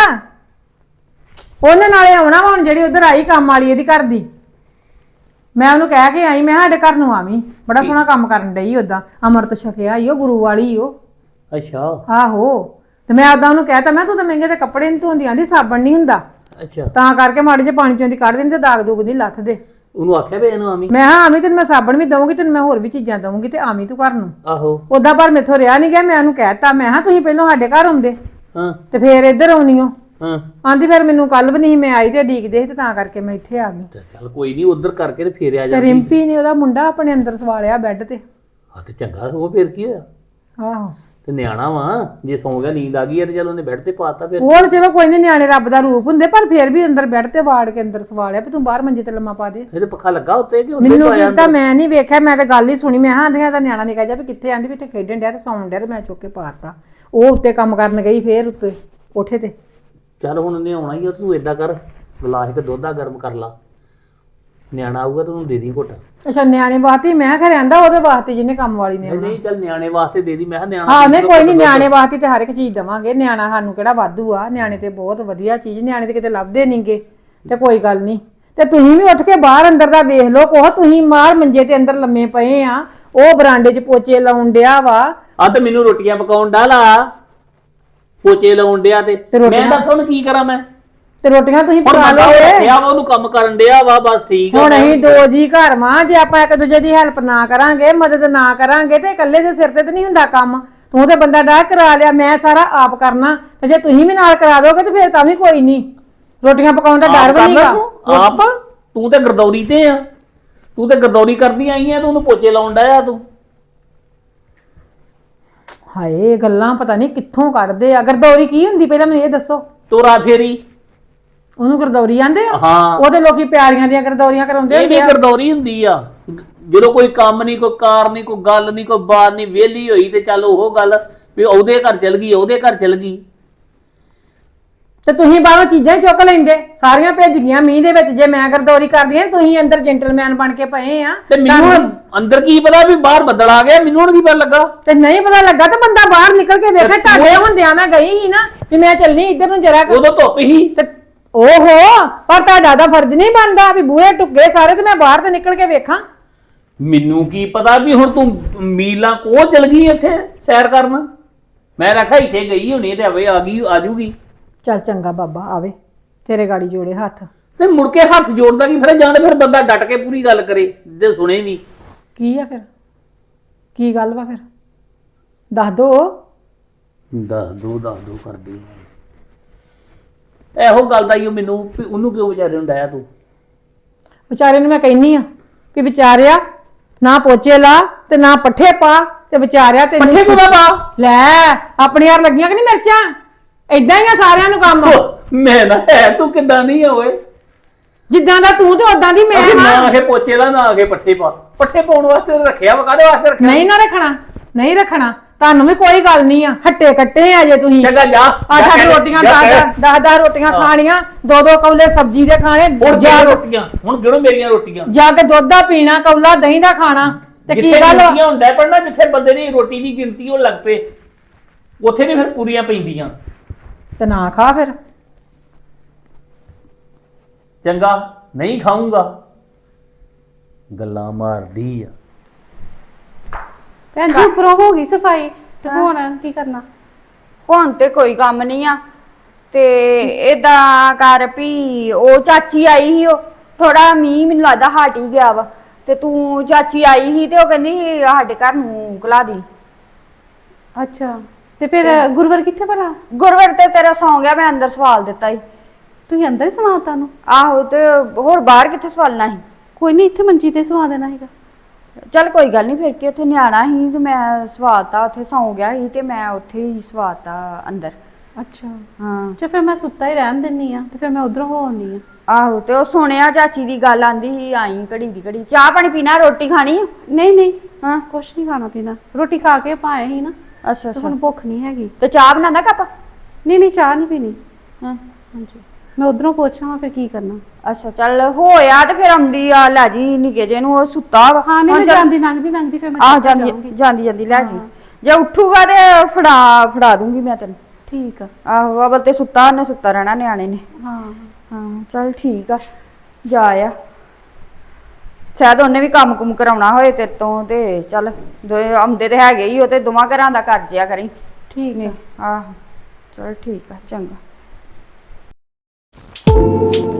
Speaker 5: ਉਹਨੇ ਨਾਲੇ ਆਉਣਾ ਵਾ ਹੁਣ, ਜਿਹੜੀ ਉਧਰ ਆਈ ਕੰਮ ਵਾਲੀ ਇਹਦੀ ਘਰ ਦੀ, ਮੈਂ ਉਹਨੂੰ ਕਹਿ ਕੇ ਆਈ, ਮੈਂ ਸਾਡੇ ਘਰ ਨੂੰ ਆਵੀਂ, ਬੜਾ ਸੋਹਣਾ ਕੰਮ ਕਰਨ ਡਈ। ਓਦਾਂ ਅੰਮ੍ਰਿਤ ਛਕਿਆ ਈ ਉਹ, ਗੁਰੂ ਵਾਲੀ ਉਹ।
Speaker 3: ਅੱਛਾ
Speaker 5: ਆਹੋ, ਤੇ ਮੈਂ ਓਦਾਂ ਉਹਨੂੰ ਕਹਿਤਾ, ਮੈਂ ਤੂੰ ਤਾਂ ਮਹਿੰਗੇ ਤੇ ਕੱਪੜੇ ਨਹੀਂ ਧੋਂਦੀ, ਆਂਦੀ ਸਾਬਣ ਨਹੀਂ ਹੁੰਦਾ,
Speaker 3: ਅੱਛਾ
Speaker 5: ਤਾਂ ਕਰਕੇ ਮਾੜੇ ਜਿਹੇ ਪਾਣੀ ਚੋਂ ਦੀ ਕੱਢ ਦਿੰਦੇ, ਦਾਗ ਦੂਗ ਨਹੀਂ ਲੱਥਦੇ।
Speaker 3: ਉਹਨੂੰ ਆਖਿਆ ਵੀ ਇਹਨੂੰ ਆਵੀਂ।
Speaker 5: ਮੈਂ ਹਾਂ ਆਵੀਂ, ਤੈਨੂੰ ਮੈਂ ਸਾਬਣ ਵੀ ਦਊਂਗੀ, ਤੈਨੂੰ ਮੈਂ ਹੋਰ ਵੀ ਚੀਜ਼ਾਂ ਦਊਂਗੀ, ਤੇ ਆਵੀਂ ਤੂੰ ਘਰ ਨੂੰ।
Speaker 3: ਆਹੋ
Speaker 5: ਓਦਾਂ ਪਰ ਮੈਥੋਂ ਰਿਹਾ ਨਹੀਂ ਗਿਆ, ਮੈਂ ਉਹਨੂੰ ਕਹਿਤਾ, ਮੈਂ ਹਾਂ ਤੁਸੀਂ ਪਹਿਲਾਂ ਸਾਡੇ ਘਰ ਆਉਂਦੇ
Speaker 3: ਹਾਂ
Speaker 5: ਤੇ ਫੇਰ ਇੱਧਰ ਆਉਣੀ ਹੋ।
Speaker 3: ਹਾਂ
Speaker 5: ਆਂਦੀ ਫਿਰ ਮੈਨੂੰ ਕੱਲ ਵੀ ਨਹੀਂ ਮੈਂ ਆਈ ਤੇ ਡੀਕਦੇ ਸੀ, ਤੇ ਤਾਂ ਕਰਕੇ ਮੈਂ ਇੱਥੇ ਆ ਗਈ।
Speaker 3: ਤੇ ਚੱਲ ਕੋਈ ਨਹੀਂ, ਉਧਰ ਕਰਕੇ ਤੇ ਫੇਰ ਆ
Speaker 5: ਤੇ
Speaker 3: ਜਾਂਦੀ।
Speaker 5: ਰਿੰਪੀ ਨੇ ਉਹਦਾ ਮੁੰਡਾ ਆਪਣੇ ਅੰਦਰ ਸਵਾਲਿਆ ਬੈੱਡ ਤੇ।
Speaker 3: ਹਾਂ ਤੇ ਚੰਗਾ, ਉਹ ਫੇਰ ਕੀ ਹੋਇਆ?
Speaker 5: ਆਹੋ,
Speaker 3: ਤੇ ਨਿਆਣਾ ਵਾ, ਜੇ ਸੌਂ ਗਿਆ ਨੀਂਦ ਆ ਗਈ ਹੈ ਤੇ ਚਲ ਉਹਨੇ ਬੈੱਡ ਤੇ ਪਾਤਾ ਫਿਰ।
Speaker 5: ਉਹ ਚਲੋ ਕੋਈ ਨਹੀਂ, ਨਿਆਣੇ ਰੱਬ ਦਾ ਰੂਪ ਹੁੰਦੇ, ਪਰ ਫੇਰ ਵੀ ਅੰਦਰ ਬੈੱਡ ਤੇ ਵਾੜ ਕੇ ਅੰਦਰ ਸਵਾਲਿਆ ਵੀ ਤੂੰ ਬਾਹਰ ਮੰਜੇ ਤੇ ਲੰਮਾ ਪਾ ਦੇ।
Speaker 3: ਇਹਦੇ ਪੱਖਾ ਲੱਗਾ ਉੱਤੇ ਕਿ ਉੱਤੇ
Speaker 5: ਮੈਨੂੰ
Speaker 3: ਪਾਇਆ?
Speaker 5: ਕੀਤਾ, ਮੈਂ ਨਹੀਂ ਵੇਖਿਆ, ਮੈਂ ਤਾਂ ਗੱਲ ਹੀ ਸੁਣੀ। ਮੈਂ ਹਾਂ ਆਂਦੀਆਂ ਦਾ ਨਿਆਣਾ ਨਿਕਾ ਜਾ ਵੀ ਕਿੱਥੇ, ਆਂਦੀ ਵੀ ਇੱਥੇ ਖੇਡਣ ਡਿਆ ਤੇ ਸੌਣ ਡਿਆ, ਤੇ ਮੈਂ ਚੁੱਕ ਕੇ ਪਾਤਾ। ਉਹ ਉੱਤੇ ਕੰਮ ਕਰਨ ਗਈ, ਫੇਰ ਉੱਤੇ ਕੋਠੇ ਤੇ।
Speaker 3: ਚੱਲ ਹੁਣ ਉਹਨੇ ਆਉਣਾ ਹੀ ਆ, ਤੂੰ ਏਦਾਂ ਕਰ, ਗਲਾਸ ਇੱਕ ਦੁੱਧ ਦਾ ਗਰਮ ਕਰ ਲਾ, ਨਿਆਣਾ ਆਊਗਾ ਤੈਨੂੰ ਦੇ ਦੀ ਘੁੱਟ।
Speaker 5: ਅੱਛਾ, ਨਿਆਣੇ ਵਾਸਤੇ ਮੈਂ ਕਿਹਾ ਰਹਿੰਦਾ, ਉਹਦੇ ਵਾਸਤੇ ਜਿਹਨੇ ਕੰਮ ਵਾਲੀ ਨੇ।
Speaker 3: ਨਹੀਂ ਚੱਲ ਨਿਆਣੇ ਵਾਸਤੇ ਦੇ ਦੀ, ਮੈਂ ਕਿਹਾ ਨਿਆਣਾ।
Speaker 5: ਹਾਂ ਨਹੀਂ ਕੋਈ ਨਹੀਂ, ਨਿਆਣੇ ਵਾਸਤੇ ਤੇ ਹਰ ਇੱਕ ਚੀਜ਼ ਦਵਾਂਗੇ। ਨਿਆਣਾ ਸਾਨੂੰ ਕਿਹੜਾ ਵਾਧੂ ਆ, ਨਿਆਣੇ ਤੇ ਬਹੁਤ ਵਧੀਆ ਚੀਜ਼, ਨਿਆਣੇ ਤੇ ਕਿਤੇ ਲੱਭਦੇ ਨਹੀਂਗੇ, ਤੇ ਕੋਈ ਗੱਲ ਨਹੀਂ। ਤੇ ਤੁਸੀਂ ਵੀ ਉੱਠ ਕੇ ਬਾਹਰ ਅੰਦਰ ਦਾ ਵੇਖ ਲਓ, ਕੋਹ ਤੁਸੀਂ ਮਾਰ ਮੰਜੇ ਤੇ ਅੰਦਰ ਲੰਮੇ ਪਏ ਆ, ਉਹ ਬਰਾਂਡੇ 'ਚ ਪੋਚੇ ਲਾਉਣ ਡਿਆ ਵਾ।
Speaker 3: ਆ ਤੇ ਮੈਨੂੰ ਰੋਟੀਆਂ ਪਕਾਉਣ ਡਾਲਾ, ਪੋਚੇ ਲਾਉਣ ਡਿਆ, ਤੇ ਮੈਂ ਦੱਸ ਹੁਣ ਕੀ ਕਰਾਂ ਮੈਂ?
Speaker 5: ਤੇ ਰੋਟੀਆਂ ਤੁਸੀਂ
Speaker 3: ਹੁਣ
Speaker 5: ਪਕਾ
Speaker 3: ਬੰਦਾ
Speaker 5: ਲਓਗੇ।
Speaker 3: ਰੱਖਿਆ ਵਾ, ਉਹਨੂੰ ਕੰਮ ਕਰਨ ਡਿਆ ਵਾ, ਬਸ ਠੀਕ ਆ।
Speaker 5: ਹੁਣ ਅਸੀਂ ਦੋ ਜੀ ਘਰ ਵਾਂ, ਜੇ ਆਪਾਂ ਇੱਕ ਦੂਜੇ ਦੀ ਹੈਲਪ ਨਾ ਕਰਾਂਗੇ, ਮਦਦ ਨਾ ਕਰਾਂਗੇ, ਤੇ ਇਕੱਲੇ ਦੇ ਸਿਰ ਤੇ ਤਾਂ ਨਹੀਂ ਹੁੰਦਾ ਕੰਮ। ਤੂੰ ਤੇ ਬੰਦਾ ਡਾਹ ਕਰਾ ਲਿਆ, ਮੈਂ ਸਾਰਾ ਆਪ ਕਰਨਾ, ਤੇ ਜੇ ਤੁਸੀਂ ਵੀ ਨਾਲ ਕਰਾ ਦੋਗੇ ਤੇ ਫਿਰ ਤਾਂ ਵੀ ਕੋਈ ਨਹੀਂ। ਰੋਟੀਆਂ ਪਕਾਉਣ ਦਾ ਡਰ ਵੀ ਨਹੀਂਗਾ।
Speaker 3: ਆਪ ਤੂੰ ਤੇ ਗਰਦੌਰੀ ਤੇ ਆ, ਤੂੰ ਤੇ ਗਰਦੌਰੀ ਕਰਦੀ ਆਈ ਆ, ਤੂੰ ਉਹਨੂੰ ਪੋਚੇ ਲਾਉਣ ਡਿਆ ਤੂੰ।
Speaker 5: ਹਾਏ, ਗੱਲਾਂ ਪਤਾ ਨਹੀਂ ਕਿੱਥੋਂ ਕੱਢਦੇ ਆ। ਗਰਦੌਰੀ ਕੀ ਹੁੰਦੀ ਪਹਿਲਾਂ ਮੈਨੂੰ ਇਹ ਦੱਸੋ।
Speaker 3: ਤੋਰਾ ਫੇਰੀ,
Speaker 5: ਉਹਨੂੰ ਗਰਦੌਰੀ ਆਂਦੇ ਆ?
Speaker 3: ਹਾਂ
Speaker 5: ਉਹਦੇ ਲੋਕੀ ਪਿਆਰੀਆਂ ਦੀਆਂ ਗਰਦੌਰੀਆਂ ਕਰਾਉਂਦੇ
Speaker 3: ਇਹ
Speaker 5: ਹੁੰਦੇ
Speaker 3: ਵੀ
Speaker 5: ਆ।
Speaker 3: ਗਰਦੌਰੀ ਹੁੰਦੀ ਆ, ਜਦੋਂ ਕੋਈ ਕੰਮ ਨਹੀਂ, ਕੋਈ ਕਾਰ ਨਹੀਂ, ਕੋਈ ਗੱਲ ਨਹੀਂ, ਕੋਈ ਬਾਤ ਨਹੀਂ, ਵਿਹਲੀ ਹੋਈ ਤੇ ਚੱਲ ਉਹ ਗੱਲ ਵੀ ਉਹਦੇ ਘਰ ਚਲ ਗਈ, ਉਹਦੇ ਘਰ ਚਲ ਗਈ।
Speaker 5: ਤੇ ਤੁਸੀਂ ਬਾਹਰੋਂ ਚੀਜ਼ਾਂ ਹੀ ਚੁੱਕ ਲੈਂਦੇ, ਸਾਰੀਆਂ ਭਿੱਜ ਗਈਆਂ ਮੀਂਹ ਦੇ ਵਿੱਚ। ਜੇ ਮੈਂ ਗਰਦੌਰੀ ਕਰਦੀ ਆ, ਤੁਸੀਂ ਅੰਦਰ ਜੈਂਟਲਮੈਨ ਬਣ ਕੇ ਪਏ ਆ।
Speaker 3: ਤੇ ਮੈਨੂੰ ਅੰਦਰ ਕੀ ਪਤਾ ਵੀ ਬਾਹਰ ਬੱਦਲ ਆ ਗਿਆ, ਮੈਨੂੰ ਹੁਣ ਕੀ ਪਤਾ ਲੱਗਾ?
Speaker 5: ਤੇ ਨਹੀਂ ਪਤਾ ਲੱਗਾ ਤਾਂ ਬੰਦਾ ਬਾਹਰ ਨਿਕਲ ਕੇ ਵੇਖੇ। ਤੁਹਾਡੇ ਹੁੰਦਿਆਂ ਮੈਂ ਗਈ ਸੀ ਨਾ ਵੀ ਮੈਂ ਚੱਲਣੀ ਇੱਧਰ ਨੂੰ ਜਰਾ।
Speaker 3: ਉਦੋਂ ਧੁੱਪ ਹੀ।
Speaker 5: ਤੇ ਓਹੋ, ਪਰ ਤੁਹਾਡਾ ਤਾਂ ਫਰਜ਼ ਨਹੀਂ ਬਣਦਾ ਵੀ ਬੂਹੇ ਟੁੱਕੇ ਸਾਰੇ ਤੇ ਮੈਂ ਬਾਹਰ ਤੇ ਨਿਕਲ ਕੇ ਵੇਖਾਂ।
Speaker 3: ਮੈਨੂੰ ਕੀ ਪਤਾ ਵੀ ਹੁਣ ਤੂੰ ਮੀਲਾਂ ਕੋਹ ਚਲ ਗਈ ਇੱਥੇ ਸੈਰ ਕਰਨ? ਮੈਂ ਰੱਖਿਆ ਇੱਥੇ ਗਈ ਹੋਣੀ ਤੇ ਆਵੇ ਆ ਗਈ, ਆ ਜੂਗੀ।
Speaker 5: ਚੱਲ ਚੰਗਾ ਬਾਬਾ ਆਵੇ, ਤੇਰੇ ਗਾੜੀ ਜੋੜੇ ਹੱਥ।
Speaker 3: ਤੇ ਮੁੜ ਕੇ ਹੱਥ ਜੋੜਦਾ ਕੀ ਫਿਰ? ਜਾਂ ਤੇ ਫਿਰ ਬੰਦਾ ਡਟ ਕੇ ਪੂਰੀ ਗੱਲ ਕਰੇ, ਜੇ ਸੁਣੇ ਵੀ।
Speaker 5: ਕੀ ਆ ਫਿਰ, ਕੀ ਗੱਲ ਵਾ ਫਿਰ ਦੱਸ ਦੋ।
Speaker 3: ਦੱਸ ਦੋ ਦੱਸ ਦੋ ਕਰਦੀ ਇਹੋ ਗੱਲ ਦਾ ਹੀ ਉਹ ਮੈਨੂੰ ਵੀ ਉਹਨੂੰ ਕਿਉਂ ਵਿਚਾਰੇ ਨੂੰ ਡਾਇਆ ਤੂੰ?
Speaker 5: ਵਿਚਾਰੇ ਨੂੰ ਮੈਂ ਕਹਿੰਨੀ ਆ ਵੀ ਵਿਚਾਰਿਆ ਨਾ ਪੋਚੇ ਲਾ ਤੇ ਨਾ ਪੱਠੇ ਪਾ, ਤੇ ਵਿਚਾਰਿਆ ਤੇ
Speaker 3: ਪੱਠੇ ਕਿਉਂ ਪਾ?
Speaker 5: ਲੈ ਆਪਣੇ ਯਾਰ ਲੱਗੀਆਂ ਕਿ ਨਹੀਂ ਮਿਰਚਾਂ? ਏਦਾਂ ਹੀ ਆ ਸਾਰਿਆਂ ਨੂੰ ਕੰਮ।
Speaker 3: ਮੈਂ ਨਾ ਹੈ ਤੂੰ ਕਿੱਦਾਂ ਨਹੀਂ ਆ ਓਏ,
Speaker 5: ਜਿੱਦਾਂ ਦਾ ਤੂੰ ਤੇ ਉਦਾਂ ਦੀ ਮੈਂ
Speaker 3: ਨਾ
Speaker 5: ਹਾਂ।
Speaker 3: ਆਖੇ ਪੋਚੇ ਲਾ, ਨਾ ਆਖੇ ਪੱਠੇ ਪਾ। ਪੱਠੇ ਪਾਉਣ ਵਾਸਤੇ ਰੱਖਿਆ ਵਾ, ਕਾਹਦੇ ਵਾਸਤੇ ਰੱਖਿਆ?
Speaker 5: ਨਹੀਂ ਨਾ ਰੱਖਣਾ, ਨਹੀਂ ਰੱਖਣਾ, ਤੁਹਾਨੂੰ ਵੀ ਕੋਈ ਗੱਲ ਨਹੀਂ ਆ। ਹੱਟੇ ਕੱਟੇ ਆ ਜੇ ਤੁਸੀਂ।
Speaker 3: ਚੰਗਾ ਜਾ,
Speaker 5: ਅੱਠ
Speaker 3: ਜਾ
Speaker 5: ਅੱਠ
Speaker 3: ਕਹਿ-
Speaker 5: ਰੋਟੀਆਂ,
Speaker 3: ਜਾ ਕਹਿ।
Speaker 5: ਦਸ ਦਸ ਦਸ ਰੋਟੀਆਂ ਖਾਣੀਆਂ, ਦੋ ਦੋ ਕੌਲੇ ਸਬਜ਼ੀ ਦੇ ਖਾਣੇ,
Speaker 3: ਹੁਣ
Speaker 5: ਜਾ
Speaker 3: ਜਾ ਰੋਟੀਆਂ, ਹੁਣ ਗਿਣੋ ਮੇਰੀਆਂ ਰੋਟੀਆਂ।
Speaker 5: ਜਾ ਕੇ ਦੁੱਧ ਦਾ ਪੀਣਾ, ਕੌਲਾ ਦਹੀਂ ਦਾ ਖਾਣਾ। ਤੇ ਕੀ
Speaker 3: ਜਿੱਥੇ
Speaker 5: ਗੱਲ
Speaker 3: ਗਿਣਤੀਆਂ ਹੁੰਦਾ ਪੜਨਾ, ਜਿੱਥੇ ਬੰਦੇ ਦੀ ਰੋਟੀ ਦੀ ਗਿਣਤੀ ਉਹ ਲੱਗ ਪਏ, ਉੱਥੇ ਨਹੀਂ ਫਿਰ ਪੂਰੀਆਂ ਪੈਂਦੀਆਂ।
Speaker 5: ਤੇ ਨਾ ਖਾ ਫਿਰ।
Speaker 3: ਚੰਗਾ ਨਹੀਂ ਖਾਊਂਗਾ, ਗੱਲਾਂ ਮਾਰਦੀ ਆ।
Speaker 1: ਭੈਣ ਜੀ ਉੱਪਰੋਂ ਹੋ ਗਈ ਸਫਾਈ, ਤੇ ਹੁਣ ਕੀ ਕਰਨਾ?
Speaker 2: ਹੁਣ ਤੇ ਕੋਈ ਕੰਮ ਨਹੀਂ ਆ। ਤੇ ਏਦਾਂ ਕਰ ਵੀ ਉਹ ਚਾਚੀ ਆਈ ਸੀ, ਉਹ ਥੋੜਾ ਮੀਂਹ ਮੈਨੂੰ ਲੱਗਦਾ ਹਟ ਹੀ ਗਿਆ ਵਾ, ਤੇ ਤੂੰ ਚਾਚੀ ਆਈ ਸੀ ਤੇ ਉਹ ਕਹਿੰਦੀ ਸੀ ਸਾਡੇ ਘਰ ਨੂੰ ਘਲਾ ਦੀ।
Speaker 1: ਅੱਛਾ, ਤੇ ਫਿਰ ਗੁਰਵਰ ਕਿੱਥੇ ਭਲਾ?
Speaker 2: ਗੁਰਵਰ ਤੇ ਤੇਰਾ ਸੌਂ ਗਿਆ, ਮੈਂ ਅੰਦਰ ਸਵਾਲ ਦਿੱਤਾ ਸੀ।
Speaker 1: ਤੁਸੀਂ ਅੰਦਰ ਹੀ ਸਵਾਤਾ ਨੂੰ?
Speaker 2: ਆਹੋ, ਤੇ ਹੋਰ ਬਾਹਰ ਕਿੱਥੇ ਸਵਾਲਣਾ ਸੀ?
Speaker 1: ਕੋਈ ਨਹੀਂ, ਇੱਥੇ ਮੰਜੀ ਤੇ ਸਵਾ ਦੇਣਾ ਹੈਗਾ।
Speaker 2: ਚੱਲ ਕੋਈ ਗੱਲ ਨਹੀਂ, ਫਿਰ ਕੀ ਉੱਥੇ ਨਿਆਣਾ ਸੀ ਤੇ ਮੈਂ ਸਵਾਤਾ, ਉੱਥੇ ਸੌਂ ਗਿਆ ਸੀ ਤੇ ਮੈਂ ਉੱਥੇ ਹੀ ਸਵਾਤਾ ਅੰਦਰ।
Speaker 1: ਅੱਛਾ
Speaker 2: ਹਾਂ,
Speaker 1: ਜੇ ਫਿਰ ਮੈਂ ਸੁੱਤਾ ਹੀ ਰਹਿਣ ਦਿੰਨੀ ਆ, ਤੇ ਫਿਰ ਮੈਂ ਉਧਰੋਂ ਹੋ ਆਉਂਦੀ ਆ।
Speaker 2: ਆਹੋ, ਤੇ ਉਹ ਸੁਣਿਆ ਚਾਚੀ ਦੀ ਗੱਲ, ਆਂਦੀ ਸੀ ਆਈ ਘੜੀ ਦੀ ਘੜੀ। ਚਾਹ ਪਾਣੀ ਪੀਣਾ, ਰੋਟੀ ਖਾਣੀ?
Speaker 1: ਨਹੀਂ ਨਹੀਂ,
Speaker 2: ਹਾਂ,
Speaker 1: ਕੁਛ ਨਹੀਂ ਖਾਣਾ ਪੀਣਾ, ਰੋਟੀ ਖਾ ਕੇ ਪਾਏ ਸੀ ਨਾ।
Speaker 2: ਅੱਛਾ
Speaker 1: ਤੇ
Speaker 2: ਅੱਛਾ
Speaker 1: ਹੁਣ ਭੁੱਖ ਨਹੀਂ ਹੈਗੀ।
Speaker 2: ਤੇ ਚਾਹ ਬਣਾਣਾ ਕੱਪ?
Speaker 1: ਨਹੀਂ ਨਹੀਂ ਚਾਹ ਨਹੀਂ ਪੀਣੀ।
Speaker 2: ਹਾਂ
Speaker 1: ਹਾਂਜੀ ਮੈਂ ਉਧਰੋਂ ਪੁੱਛਾਂ ਫਿਰ ਕੀ ਕਰਨਾ।
Speaker 2: ਅੱਛਾ ਚੱਲ ਹੋਇਆ ਤੇ ਫਿਰ ਆਉਂਦੀ ਆ ਲੈ ਜੀ ਨਿੱਕੇ ਜੇ ਨੂੰ, ਉਹ ਸੁੱਤਾ ਵਾ।
Speaker 1: ਹਾਂ ਨਹੀਂ
Speaker 2: ਹੁਣ
Speaker 1: ਮੈਂ
Speaker 2: ਚੱਲ-
Speaker 1: ਜਾਂਦੀ ਲੰਘਦੀ ਲੰਘਦੀ ਫਿਰ ਮੈਂ
Speaker 2: ਆਹ
Speaker 1: ਚੱਲ
Speaker 2: ਜਾਂਦੀ
Speaker 1: ਜਾਊਂਗੀ।
Speaker 2: ਜਾਂਦੀ ਜਾਂਦੀ ਲੈ ਜੀ।
Speaker 1: ਹਾਂ।
Speaker 2: ਜੇ ਉੱਠੂਗਾ ਤੇ ਫੜਾ ਫੜਾ ਦੂੰਗੀ ਮੈਂ ਤੈਨੂੰ।
Speaker 1: ਠੀਕ ਆ।
Speaker 2: ਆਹੋ ਅਵਲ ਤੇ ਸੁੱਤਾ, ਉਹਨੇ ਸੁੱਤਾ ਰਹਿਣਾ ਨਿਆਣੇ ਨੇ।
Speaker 1: ਹਾਂ
Speaker 2: ਹਾਂ ਚੱਲ ਠੀਕ ਆ, ਜਾ ਆ। ਸ਼ਾਇਦ ਉਹਨੇ ਵੀ ਕੰਮ ਕੁਮ ਕਰਾਉਣਾ ਹੋਏ ਤੇਰੇ ਤੋਂ, ਤੇ ਚੱਲ ਦੋਏ ਆਉਂਦੇ ਤੇ ਹੈਗੇ ਹੀ, ਉਹ ਤੇ ਦੋਵਾਂ ਘਰਾਂ ਦਾ ਕਰ ਜਿਆ ਕਰੀ।
Speaker 1: ਠੀਕ ਆ।
Speaker 2: ਆਹੋ ਚਲ ਠੀਕ ਆ, ਚੰਗਾ।